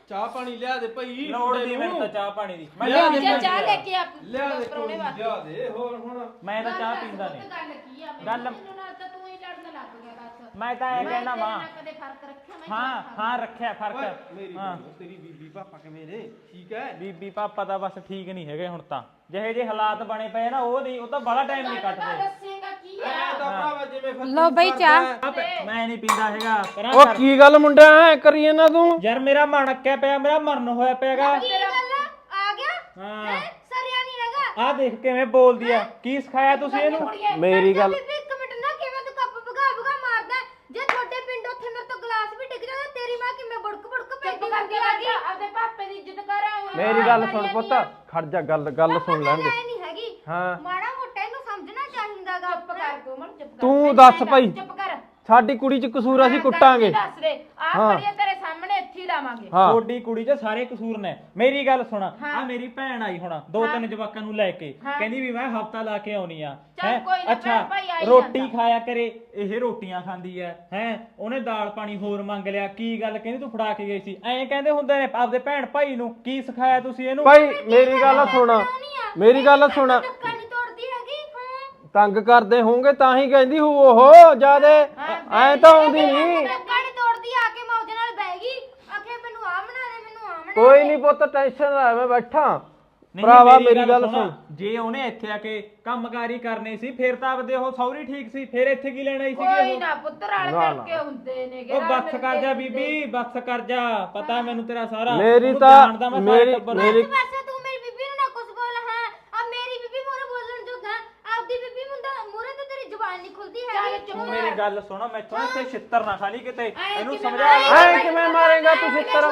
Speaker 2: ਚਾਹ ਪਾਣੀ ਲਿਆ ਦੇ ਭਾਈ
Speaker 7: ਲੋੜ ਨਹੀਂ ਮੈਨੂੰ ਤਾਂ ਚਾਹ ਪਾਣੀ ਦੀ ਮੈਂ
Speaker 2: ਲਿਆ ਦੇ
Speaker 1: ਜੇ ਚਾਹ ਲੈ ਕੇ ਆ
Speaker 2: ਲਿਆ ਦੇ
Speaker 1: ਪਰੌਣੇ ਵਾਸਤੇ
Speaker 2: ਲਿਆ ਦੇ ਹੋਰ ਹੁਣ
Speaker 7: ਮੈਂ ਤਾਂ ਚਾਹ ਪੀਂਦਾ ਨਹੀਂ
Speaker 1: ਗੱਲ ਕੀ ਆ
Speaker 7: ਗੱਲ
Speaker 1: ਮੈਨੂੰ ਨਾਲ ਤਾਂ ਤੂੰ ਹੀ ਲੜਨ ਲੱਗ ਗਿਆ ਬਸ
Speaker 7: ਮੈਂ ਤਾਂ ਇਹ ਕਹਿਣਾ ਮਾਂ
Speaker 1: ਕਦੇ ਫਰਕ ਰੱਖਿਆ ਮੈਂ
Speaker 7: ਹਾਂ ਹਾਂ ਰੱਖਿਆ ਫਰਕ
Speaker 2: ਮੇਰੀ
Speaker 7: ਹਾਂ
Speaker 2: ਤੇਰੀ ਬੀਬੀ ਪਾਪਾ ਕਿਵੇਂ ਨੇ ਠੀਕ ਹੈ
Speaker 7: ਬੀਬੀ ਪਾਪਾ ਤਾਂ ਬਸ ਠੀਕ ਨਹੀਂ ਹੈਗੇ ਹੁਣ ਤਾਂ ਜਿਹੇ ਜੇ ਹਾਲਾਤ ਬਣੇ ਪਏ ਨਾ ਉਹ ਨਹੀਂ ਉਹ ਤਾਂ ਬੜਾ ਟਾਈਮ ਨਹੀਂ ਕੱਟਦੇ
Speaker 1: ਦੱਸੇਗਾ ਕੀ ਆ
Speaker 2: ਐ ਤਾਂ ਭਰਾਵਾ ਜਿਵੇਂ ਫਿਰ
Speaker 3: ਲਓ ਬਈ ਚਾਹ
Speaker 7: ਮੈਂ ਨਹੀਂ ਪੀਂਦਾ ਹੈਗਾ ਪਰਾਂ
Speaker 2: ਉਹ
Speaker 7: ਕਰ।
Speaker 2: ਕੀ ਗੱਲ ਮੁੰਡਾ ਐ ਕਰੀ ਨਾ ਤੂੰ
Speaker 7: ਯਾਰ ਮੇਰਾ ਮਨ ਅੱਕਿਆ ਪਿਆ ਮੇਰਾ ਮਰਨ ਹੋਇਆ ਪਿਆਗਾ
Speaker 5: ਕੀ ਗੱਲ ਆ ਗਿਆ
Speaker 7: ਹਾਂ
Speaker 5: ਸਰਿਆ ਨਹੀਂ ਹੈਗਾ
Speaker 7: ਆਹ ਦੇਖ ਕਿਵੇਂ ਬੋਲਦੀ ਆ ਕੀ ਸਿਖਾਇਆ ਤੁਸੀਂ ਇਹਨੂੰ
Speaker 2: ਮੇਰੀ ਗੱਲ
Speaker 5: ਬੀਬੀ ਇੱਕ ਮਿੰਟ ਨਾ ਕਿਵੇਂ ਤੂੰ ਕੱਪ ਭਗਾ ਭਗਾ ਮਾਰਦਾ ਹੈ? ਜੇ ਤੁਹਾਡੇ ਪਿੰਡ ਉੱਥੇ ਮੇਰੇ ਤੋਂ ਗਲਾਸ ਵੀ ਡਿੱਗ ਜਾਵੇ ਤੇਰੀ ਮਾਂ ਕਿਵੇਂ ਬੁੜਕ ਬੁੜਕ ਪੈਂਦੀ ਕਰਦੀ ਆ ਗਈ
Speaker 1: ਆਪਦੇ ਪਾਪੇ ਦੀ ਇੱਜ਼ਤ ਕਰ
Speaker 2: ਮੇਰੀ ਗੱਲ ਸੁਣ ਪੁੱਤ ਖੜ ਜਾ ਗੱਲ ਸੁਣ ਲੈਣ ਦੇ
Speaker 5: ਨਹੀਂ ਹੈਗੀ
Speaker 2: ਹਾਂ
Speaker 5: ਮਾੜਾ ਮੋਟਾ ਇਹਨੂੰ ਸਮਝਣਾ ਚਾਹੀਦਾਗਾ
Speaker 1: ਚੁੱਪ ਕਰ ਕੋਮਲ ਚੁੱਪ ਕਰ
Speaker 2: ਤੂੰ ਦੱਸ ਭਾਈ
Speaker 1: ਚੁੱਪ ਕਰ
Speaker 2: ਸਾਡੀ ਕੁੜੀ ਚ ਕਸੂਰ ਅਸੀਂ ਕੁੱਟਾਂਗੇ
Speaker 1: ਦੱਸ ਦੇ ਆ ਖੜੀਏ ਤੇਰੇ ਸਾਹਮਣੇ ਇੱਥੇ ਹੀ ਲਾਵਾਂਗੇ
Speaker 2: ਹਾਂ
Speaker 7: ਤੁਹਾਡੀ ਕੁੜੀ 'ਚ ਸਾਰੇ ਕਸੂਰ ਨੇ ਮੇਰੀ ਗੱਲ ਸੁਣ ਆ ਮੇਰੀ ਭੈਣ ਆਈ ਹੁਣ ਦੋ ਤਿੰਨ ਜਵਾਕਾਂ ਨੂੰ ਲੈ ਕੇ ਕਹਿੰਦੀ ਵੀ ਮੈਂ ਹਫਤਾ ਲਾ ਕੇ ਆਉਣੀ ਆ
Speaker 1: ਚੱਲ ਕੋਈ ਨਾ,
Speaker 7: ਅੱਛਾ
Speaker 1: ਭੈਣ ਭਾਈ ਆਈ
Speaker 7: ਰੋਟੀ
Speaker 1: ਜਾਂਦਾ।
Speaker 7: ਖਾਇਆ ਕਰੇ ਇਹ ਰੋਟੀਆਂ ਖਾਂਦੀ ਐ ਉਹਨੇ ਦਾਲ ਪਾਣੀ ਹੋਰ ਮੰਗ ਲਿਆ ਕੀ ਗੱਲ ਕਹਿੰਦੀ ਤੂੰ ਫੜਾ ਕੇ ਗਈ ਸੀ ਐਂ ਕਹਿੰਦੇ ਹੁੰਦੇ ਨੇ ਆਪਦੇ ਭੈਣ ਭਾਈ ਨੂੰ ਕੀ ਸਿਖਾਇਆ ਤੁਸੀਂ ਇਹਨੂੰ
Speaker 2: ਭਾਈ ਮੇਰੀ ਗੱਲ ਸੁਣ ਮੇਰੀ ਗੱਲ ਸੁਣ
Speaker 5: ਧੱਕਾ ਨਹੀਂ ਤੋੜਦੀ ਹੈਗੀ ਹਾਂ
Speaker 2: ਤੰਗ ਕਰਦੇ ਹੋਣਗੇ ਤਾਂ ਹੀ ਕਹਿੰਦੀ ਹੂ ਉਹ ਜਿਆਦੇ ਐ ਤਾਂ ਆਉਂਦੀ ਨਹੀਂ
Speaker 5: ਧੱਕਾ ਨਹੀਂ ਤੋੜਦੀ ਆ ਕੇ ਮੈਂ ਉਹਦੇ ਨਾਲ ਬਹਿ ਗਈ ਆਖੇ ਮੈਨੂੰ ਆ ਬਣਾ ਦੇ ਮੈਨੂੰ ਆ ਬਣਾ
Speaker 2: ਕੋਈ ਨਹੀਂ ਪੁੱਤ ਟੈਨਸ਼ਨ ਨਾ ਲੈ ਮੈਂ ਬੈਠਾ
Speaker 7: ਨਹੀਂ,
Speaker 2: ਭਰਾਵਾ ਮੇਰੀ ਗੱਲ ਸੁਣ
Speaker 7: ਜੇ ਉਹਨੇ ਇੱਥੇ ਆ ਕੇ ਕੰਮਕਾਰੀ ਕਰਨੇ ਸੀ ਫਿਰ ਤਾਂ ਆਪਦੇ ਉਹ ਸੌਰੀ ਠੀਕ ਸੀ ਫਿਰ ਇੱਥੇ ਕੀ ਲੈਣ ਆਈ
Speaker 1: ਕੋਈ
Speaker 7: ਸੀਗੀ
Speaker 1: ਨਾ ਪੁੱਤ ਰਲ ਮਿਲ ਕੇ ਹੁੰਦੇ ਨੇਗੇ
Speaker 7: ਉਹ
Speaker 1: ਰਲ
Speaker 7: ਬੱਸ
Speaker 1: ਮਿਲ
Speaker 7: ਕਰ
Speaker 1: ਕੇ
Speaker 7: ਜਾ
Speaker 1: ਹੁੰਦੇ।
Speaker 7: ਬੀਬੀ ਬੱਸ ਕਰ ਜਾ ਪਤਾ ਮੈਨੂੰ ਤੇਰਾ ਸਾਰਾ
Speaker 2: ਮੇਰੀ
Speaker 7: ਉਹਨੂੰ
Speaker 2: ਤਾਂ
Speaker 7: ਜਾਣਦਾ ਮੈਂ ਸਾਰੇ ਟੱਬਰ ਨੂੰ।
Speaker 2: ਮੇਰੀ
Speaker 5: ਪਾਸੇ ਤੂੰ ਮੇਰੀ ਬੀਬੀ ਨੂੰ ਨਾ ਕੁਝ ਬੋਲ ਹਾਂ ਆ ਮੇਰੀ ਬੀਬੀ ਮੋਰੇ ਬੋਲਣ ਜੋਗਾ ਆਪਦੀ ਬੀਬੀ ਮੁੰਡਾ ਮੋਰੇ ਤੇ ਤੇਰੀ ਜ਼ੁਬਾਨ ਨਹੀਂ ਖੁੱਲਦੀ ਹੈਗੀ
Speaker 7: ਤੂੰ ਮੇਰੀ ਗੱਲ ਸੁਣ ਮੈਥੋਂ ਇੱਥੇ ਛਿੱਤਰ ਨਾ ਖਾਲੀ ਕਿਤੇ ਇਹਨੂੰ
Speaker 1: ਕਿਵੇਂ
Speaker 7: ਸਮਝਾ
Speaker 2: ਐ ਕਿਵੇਂ ਮਾਰੇਗਾ ਤੂੰ ਸਿੱਤਰ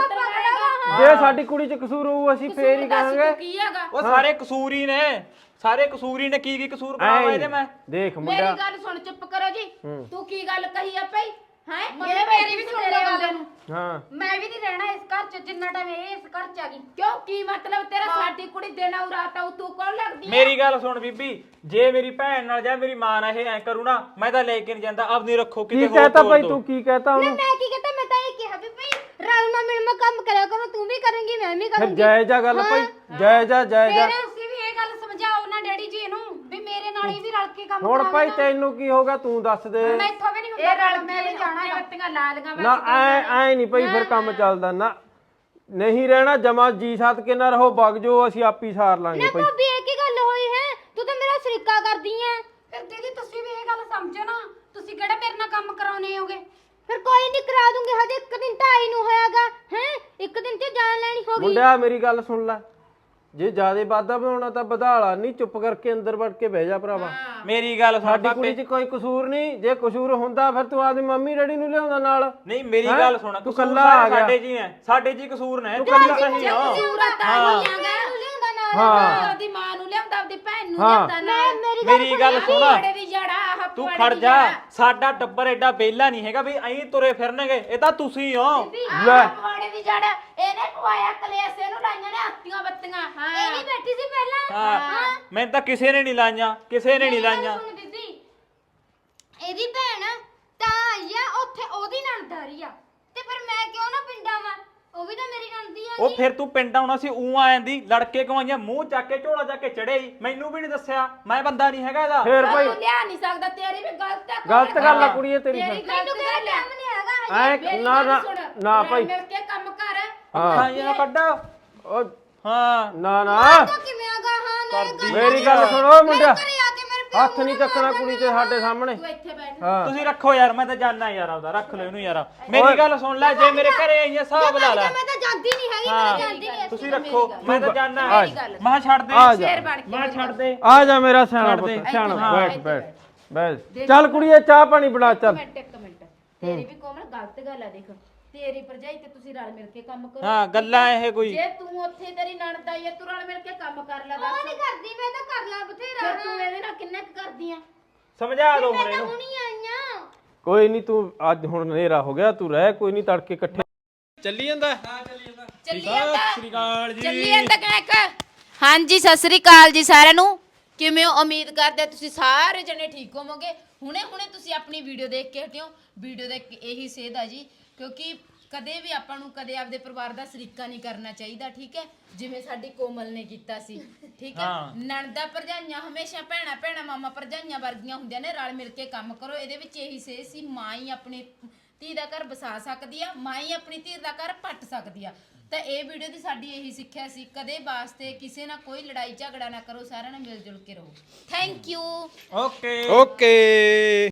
Speaker 2: ਜੇ ਸਾਡੀ ਕੁੜੀ ਚ ਕਸੂਰ ਹੋਊ ਅਸੀਂ ਫੇਰ ਹੀ ਕਹਾਂਗੇ
Speaker 1: ਕੀ ਹੈਗਾ
Speaker 7: ਉਹ ਸਾਰੇ ਕਸੂਰ ਹੀ ਨੇ ਸਾਰੇ ਕਸੂਰ ਹੀ ਨੇ ਕੀ ਕਸੂਰ ਕਰਾਵਾ ਇਹਦੇ ਮੈਂ
Speaker 2: ਦੇਖ
Speaker 1: ਮੇਰੀ
Speaker 2: ਮੁੰਡਾ
Speaker 1: ਗੱਲ ਸੁਣ ਚੁੱਪ ਕਰੋ ਜੀ ਤੂੰ ਕੀ ਗੱਲ ਕਹੀ ਆ ਭਈ ਹੈ
Speaker 3: ਇਹ ਮੇਰੀ ਵੀ ਸੁਣ ਲੈ ਗੱਲ
Speaker 2: ਹਾਂ
Speaker 3: ਮੈਂ ਵੀ ਨਹੀਂ ਰਹਿਣਾ ਇਸ ਘਰ ਚ ਜਿੰਨਾ ਟਾਈਮ ਇਹ ਇਸ ਘਰ ਚ ਆ ਗਈ
Speaker 1: ਕਿਉਂ ਕੀ ਮਤਲਬ ਤੇਰਾ ਸਾਡੀ ਕੁੜੀ ਦੇਣਾ ਉਰਾਤਾ ਤੂੰ ਕੌਣ ਲੱਗਦੀ
Speaker 7: ਮੇਰੀ ਗੱਲ ਸੁਣ ਬੀਬੀ ਜੇ ਮੇਰੀ ਭੈਣ ਨਾਲ ਜਾਂ ਮੇਰੀ ਮਾਂ ਨਾਲ ਇਹ ਐ ਕਰੂ ਨਾ ਮੈਂ ਤਾਂ ਲੈ ਕੇ ਨਹੀਂ ਜਾਂਦਾ ਆਪਣੀ ਰੱਖੋ
Speaker 2: ਕੀ
Speaker 7: ਕਿਤੇ ਹੋਰ
Speaker 2: ਕਹਤਾ
Speaker 7: ਤੋਰ
Speaker 2: ਭਾਈ
Speaker 7: ਦਿਓ।
Speaker 2: ਤੂੰ ਕੀ ਕਹਤਾ ਉਹਨੂੰ
Speaker 5: ਮੈਂ ਕੀ ਕਹਤਾ ਮੈਂ ਤਾਂ ਇਹ ਕਿਹਾ ਵੀ ਭਈ ਰਲ ਮਿਲ ਮੈਂ ਕੰਮ ਕਰਿਆ ਕਰੋ ਤੂੰ ਵੀ ਕਰੇਂਗੀ ਮੈਂ ਵੀ
Speaker 2: ਫਿਰ
Speaker 5: ਕਰੂੰਗੀ
Speaker 2: ਜਾਇਜ਼ਾ ਗੱਲ ਭਾਈ ਜਾਇਜ਼ਾ
Speaker 3: ਤੁਸੀਂ ਵੀ ਇਹ ਗੱਲ ਸਮਝਾਓ ਨਾ ਡੈਡੀ ਜੀ ਇਹਨੂੰ ਵੀ ਮੇਰੇ ਨਾਲ ਹੀ ਵੀ ਰਲ ਕੇ ਕੰਮ
Speaker 2: ਹੁਣ ਭਾਈ ਤੈਨੂੰ ਕੀ ਹੋਗਾ ਤੂੰ ਦੱਸ ਦੇ
Speaker 3: ਮੈਥੋਂ ਵੀ ਨਹੀਂ
Speaker 1: ਇਹ
Speaker 3: ਹੁੰਦਾ
Speaker 1: ਰਲ
Speaker 3: ਮੈਂ ਵੀ ਜਾਣਾ ਹੈ
Speaker 1: ਬੱਤੀਆਂ ਲਾਲੀਆਂ
Speaker 2: ਨਾ ਐ ਨਹੀਂ ਭਾਈ ਫਿਰ ਕੰਮ ਚੱਲਦਾ ਨਾ ਨਹੀਂ ਰਹਿਣਾ ਜਮਾ ਜੀ ਸਾਥ ਕੇ ਨਾ ਰਹੋ ਵਗ ਜੋ ਅਸੀਂ ਆਪੀ ਸਾਰ ਲਾਂਗੇ ਭਾਈ
Speaker 5: ਭਾਬੀ ਇਹ ਕੀ ਗੱਲ ਹੋਈ ਹੈ ਤੂੰ ਤਾਂ ਮੇਰਾ ਸ਼ਰੀਕਾ ਕਰਦੀ ਐ
Speaker 3: ਫਿਰ ਦੀਦੀ ਤੁਸੀਂ ਵੀ ਇਹ ਗੱਲ ਸਮਝੋ ਨਾ ਤੁਸੀਂ ਕਿਹੜਾ ਮੇਰੇ ਨਾਲ ਕੰਮ ਕਰਾਉਣੇ ਹੋਗੇ
Speaker 5: ਫਿਰ ਕੋਈ ਨਹੀਂ ਕਰਾ ਦੂੰਗੀ ਹਜੇ ਇੱਕ ਦਿਨ ਤਾਂ ਆਈ ਨੂੰ ਹੋਇਆਗਾ ਹੈ ਇੱਕ ਦਿਨ ਤੇ ਜਾਨ ਲੈਣੀ ਹੋ ਗਈ
Speaker 2: ਮੁੰਡਿਆ ਮੇਰੀ ਗੱਲ ਸੁਣ ਲੈ ਜੇ ਜਿਆਦੇ ਵਾਧਾ ਬਣਾਉਣਾ ਤਾਂ ਵਧਾਲਾ ਨਹੀਂ ਚੁੱਪ ਕਰਕੇ ਅੰਦਰ ਵੜ ਕੇ ਬਹਿ ਜਾ ਭਰਾਵਾ
Speaker 7: ਮੇਰੀ ਗੱਲ ਸੁਣ
Speaker 2: ਸਾਡੀ
Speaker 7: ਪਾਪੇ
Speaker 2: ਕੁੜੀ 'ਚ ਕੋਈ ਕਸੂਰ ਨਹੀਂ ਜੇ ਕਸੂਰ ਹੁੰਦਾ ਫਿਰ ਤੂੰ ਆਪਦੀ ਮੰਮੀ ਡੈਡੀ ਨੂੰ ਲਿਆਉਂਦਾ ਨਾਲ
Speaker 7: ਨਹੀਂ ਮੇਰੀ
Speaker 2: ਹੈਂ?
Speaker 7: ਗੱਲ ਸੁਣ
Speaker 2: ਤੂੰ
Speaker 7: ਕਸੂਰ
Speaker 2: ਕੱਲਾ
Speaker 7: ਸਾਰੇ
Speaker 2: ਆ ਗਿਆ।
Speaker 7: ਸਾਡੇ ਜੀ ਨੇ ਸਾਡੇ ਜੀ ਕਸੂਰ ਨੇ ਤੂੰ
Speaker 2: ਕੱਲਾ-
Speaker 7: ਸਹੀ ਹੋ
Speaker 5: ਲਿਆਉਂਦਾ ਨਾਲ
Speaker 2: ਹਾਂ
Speaker 1: ਆਪਦੀ ਮਾਂ ਨੂੰ ਲਿਆਉਂਦਾ ਆਪਦੀ ਭੈਣ ਨੂੰ
Speaker 2: ਹਾਂ।
Speaker 1: ਲਿਆਉਂਦਾ ਨਾ
Speaker 7: ਮੇਰੀ ਗੱਲ ਸੁਣ
Speaker 1: ਬੜੇ ਦੀ ਜੜਾ ਆਹ
Speaker 7: ਤੂੰ
Speaker 1: ਪੁਆੜੇ
Speaker 7: ਖੜ
Speaker 1: ਦੀ
Speaker 7: ਜਾ
Speaker 1: ਜੜਾ।
Speaker 7: ਸਾਡਾ ਟੱਬਰ ਐਡਾ ਬੇਲਾ ਨਹੀਂ ਹੈਗਾ ਵੀ ਐਂ ਤੁਰੇ ਫਿਰਨਗੇ ਇਹ ਤਾਂ ਤੁਸੀਂ ਹੋ
Speaker 2: ਲੈ
Speaker 1: ਪੁਆੜੇ ਦੀ ਜੜ ਇਹਨੇ ਪਵਾਇਆ ਕਲੇਸ਼ ਇਹਨੂੰ ਲਾਈਆਂ ਨੇ ਹੱਤੀਆਂ ਬੱਤੀਆਂ ਹਾਂ
Speaker 5: ਇਹ ਨਹੀਂ ਬੈਠੀ ਸੀ ਪਹਿਲਾਂ
Speaker 7: ਹਾਂ ਮੈਨੂੰ ਤਾਂ ਕਿਸੇ ਨੇ ਨਹੀਂ ਲਾਈਆਂ ਕਿਸੇ ਨੇ ਨਹੀਂ ਲਾਈਆਂ
Speaker 5: ਸੁਣ ਬੀਬੀ ਇਹਦੀ ਭੈਣ ਤਾਂ ਆਈ ਆ ਉੱਥੇ ਉਹਦੀ ਨਣਦਾਰੀ ਆ ਤੇ ਫਿਰ ਮੈਂ ਕਿਉਂ ਨਾ ਪਿੰਡਾਂ ਵਾਂ ਉਹ ਵੀ ਤਾਂ ਮੇਰੀ ਨਣਦੀ ਆ
Speaker 7: ਉਹ ਫਿਰ ਤੂੰ ਪਿੰਡ ਆਉਣਾ ਸੀ ਊਂ ਆ ਜਾਂਦੀ ਲੜਕੇ ਕਮਾਈਆਂ ਮੂੰਹ ਚੱਕ ਕੇ ਝੋਲਾ ਚੱਕ ਕੇ ਚੜੇ ਮੈਨੂੰ ਵੀ ਨਹੀਂ ਦੱਸਿਆ ਮੈਂ ਬੰਦਾ ਨਹੀਂ ਹੈਗਾ ਇਹਦਾ
Speaker 2: ਫੇਰ ਭਾਈ
Speaker 1: ਤੂੰ ਲਿਆ ਨਹੀਂ ਸਕਦਾ ਤੇਰੀ ਵੀ ਗਲਤ ਹੈ
Speaker 2: ਗਲਤ ਗੱਲ ਆ ਕੁੜੀਏ ਤੇਰੀ
Speaker 1: ਤੇਰੀ
Speaker 2: ਫਿਰ।
Speaker 1: ਗਲਤ
Speaker 5: ਮੈਨੂੰ ਕਿਹੜਾ
Speaker 1: ਗੱਲ ਹੈ
Speaker 5: ਟਾਈਮ ਨਹੀਂ ਹੈਗਾ ਹਜੇ।
Speaker 2: ਐ ਨਾ ਨਾ ਨਾ ਭਾਈ
Speaker 1: ਮਿਲ ਕੇ ਕੰਮ ਕਰ
Speaker 2: ਹਾਂ
Speaker 7: ਖਾਈਆਂ ਕੱਢ
Speaker 2: ਉਹ
Speaker 7: ਹਾਂ
Speaker 2: ਨਾ ਨਾ
Speaker 5: ਤਾਂ ਕਿਵੇਂ ਆਗਾ ਹਾਂ ਨਾਲੇ
Speaker 2: ਮੇਰੀ ਗੱਲ ਸੁਣੋ ਮੁੰਡਿਆ
Speaker 5: ਘਰੇ ਆ ਕੇ ਮੇਰੇ
Speaker 2: ਹੱਥ ਨਹੀਂ ਚੱਕਣਾ ਕੁੜੀ ਤੇ ਸਾਡੇ ਸਾਹਮਣੇ
Speaker 1: ਤੂੰ ਇੱਥੇ ਬੈਠ
Speaker 2: ਹਾਂ
Speaker 7: ਤੁਸੀਂ ਰੱਖੋ ਯਾਰ ਮੈਂ ਤਾਂ ਜਾਣਾ ਯਾਰ ਆਪਦਾ ਰੱਖ ਲਓ ਇਹਨੂੰ ਯਾਰ ਮੇਰੀ ਗੱਲ ਸੁਣ ਲੈ ਜੇ ਮੇਰੇ ਘਰੇ ਆਈਆਂ ਹਿਸਾਬ ਲਾ ਲੈ
Speaker 5: ਮੈਂ ਤਾਂ ਜਾਂਦੀ ਨਹੀਂ ਹੈਗੀ ਮੈਂ ਜਾਂਦੀ ਨਹੀਂ
Speaker 7: ਤੁਸੀਂ ਰੱਖੋ ਮੈਂ ਤਾਂ ਜਾਣਾ ਮੈਂ ਛੱਡ ਦੇ
Speaker 2: ਆ ਜਾ
Speaker 1: ਫੇਰ ਬਣ ਕੇ
Speaker 7: ਮੈਂ ਛੱਡ ਦੇ
Speaker 2: ਆ ਜਾ ਮੇਰਾ ਸਿਆਣਾ
Speaker 7: ਛੱਡ ਦੇ।
Speaker 2: ਪੁੱਤ ਸਿਆਣਾ
Speaker 7: ਹਾਂ,
Speaker 2: ਬੈਠ ਬੈਠ ਬੈਠ ਚੱਲ ਕੁੜੀਏ ਚਾਹ ਪਾਣੀ ਬਣਾ ਚੱਲ
Speaker 1: ਇੱਕ ਮਿੰਟ ਤੇਰੀ ਵੀ ਕੋਮਲ ਗਲਤ ਗੱਲ ਆ ਦੇਖ ਤੇਰੀ ਭਰਜਾਈ ਤੇ ਤੁਸੀਂ ਰਲ ਮਿਲ ਕੇ ਕੰਮ ਕਰੋ
Speaker 7: ਹਾਂ ਗੱਲਾਂ ਇਹ ਕੋਈ
Speaker 1: ਜੇ ਤੂੰ ਉੱਥੇ ਤੇਰੀ ਨਣਦ ਆਈ ਹੈ ਤੂੰ ਰਲ ਮਿਲ ਕੇ ਕੰਮ ਕਰ ਲੈ
Speaker 5: ਉਹ
Speaker 1: ਬਸ
Speaker 5: ਨਹੀਂ ਕਰਦੀ ਮੈਂ ਤਾਂ ਕਰ ਲਾ ਬਥੇਰਾ
Speaker 1: ਫਿਰ ਤੂੰ ਇਹਦੇ ਨਾਲ ਕਿੰਨਾ ਕੁ ਕਰਦੀ ਆ
Speaker 7: ਸਮਝਾ ਦੋ ਹੁਣ
Speaker 5: ਮੈਂ ਤਾਂ
Speaker 7: ਇਹਨੂੰ
Speaker 5: ਹੁਣੀ ਆਈਆਂ
Speaker 2: ਕੋਈ ਨਹੀਂ ਤੂੰ ਅੱਜ ਹੁਣ ਹਨੇਰਾ ਹੋ ਗਿਆ ਤੂੰ ਰਹਿ ਕੋਈ ਨਹੀਂ ਤੜਕੇ ਇਕੱਠੇ ਚੱਲੀ ਜਾਂਦਾ
Speaker 1: ਚੱਲੀ ਜਾਂਦਾ
Speaker 7: ਸ੍ਰੀ ਅਕਾਲ ਜੀ
Speaker 1: ਚੱਲੀ ਜਾਂਦਾ ਕਹਿਕ ਹਾਂਜੀ ਸਤਿ ਸ੍ਰੀ ਅਕਾਲ ਜੀ ਸਾਰਿਆਂ ਨੂੰ ਕਿਵੇਂ ਹੋ ਉਮੀਦ ਕਰਦੇ ਹਾਂ ਤੁਸੀਂ ਸਾਰੇ ਜਣੇ ਠੀਕ ਹੋਵੋਗੇ ਹੁਣੇ ਤੁਸੀਂ ਆਪਣੀ ਵੀਡੀਓ ਦੇਖ ਕੇ ਹਟਿਓ ਵੀਡੀਓ ਦੇ ਇਹੀ ਸੇਧ ਆ ਜੀ ਕਿਉਂਕਿ ਕਦੇ ਵੀ ਆਪਾਂ ਨੂੰ ਕਦੇ ਆਪਦੇ ਪਰਿਵਾਰ ਦਾ ਸਰੀਕਾ ਨਹੀਂ ਕਰਨਾ ਚਾਹੀਦਾ, ਠੀਕ ਹੈ, ਜਿਵੇਂ ਸਾਡੀ ਕੋਮਲ ਨੇ ਕੀਤਾ ਸੀ, ਠੀਕ ਹੈ। ਨਣਦਾ ਭਰਜਾਈਆਂ ਹਮੇਸ਼ਾ ਭੈਣਾ ਭੈਣਾ ਮਾਮਾ ਭਰਜਾਈਆਂ ਵਰਗੀਆਂ ਹੁੰਦੀਆਂ ਨੇ, ਰਲ ਮਿਲ ਕੇ ਕੰਮ ਕਰੋ। ਇਹਦੇ ਵਿੱਚ ਇਹੀ ਸੇਧ ਸੀ, ਮਾਂ ਹੀ ਆਪਣੀ ਧੀ ਦਾ ਘਰ ਬਸਾ ਸਕਦੀ ਆ, ਮਾਂ ਹੀ ਆਪਣੀ ਧੀ ਦਾ ਘਰ ਪੱਟ ਸਕਦੀ ਆ। ਤਾਂ ਇਹ ਵੀਡੀਓ ਦੀ ਸਾਡੀ ਇਹੀ ਸਿੱਖਿਆ ਸੀ, ਕਦੇ ਵਾਸਤੇ ਕਿਸੇ ਨਾਲ ਕੋਈ ਲੜਾਈ ਝਗੜਾ ਨਾ ਕਰੋ, ਸਾਰਿਆਂ ਨਾਲ ਮਿਲ ਜੁਲ ਕੇ ਰਹੋ। Thank you.
Speaker 7: Okay
Speaker 2: okay.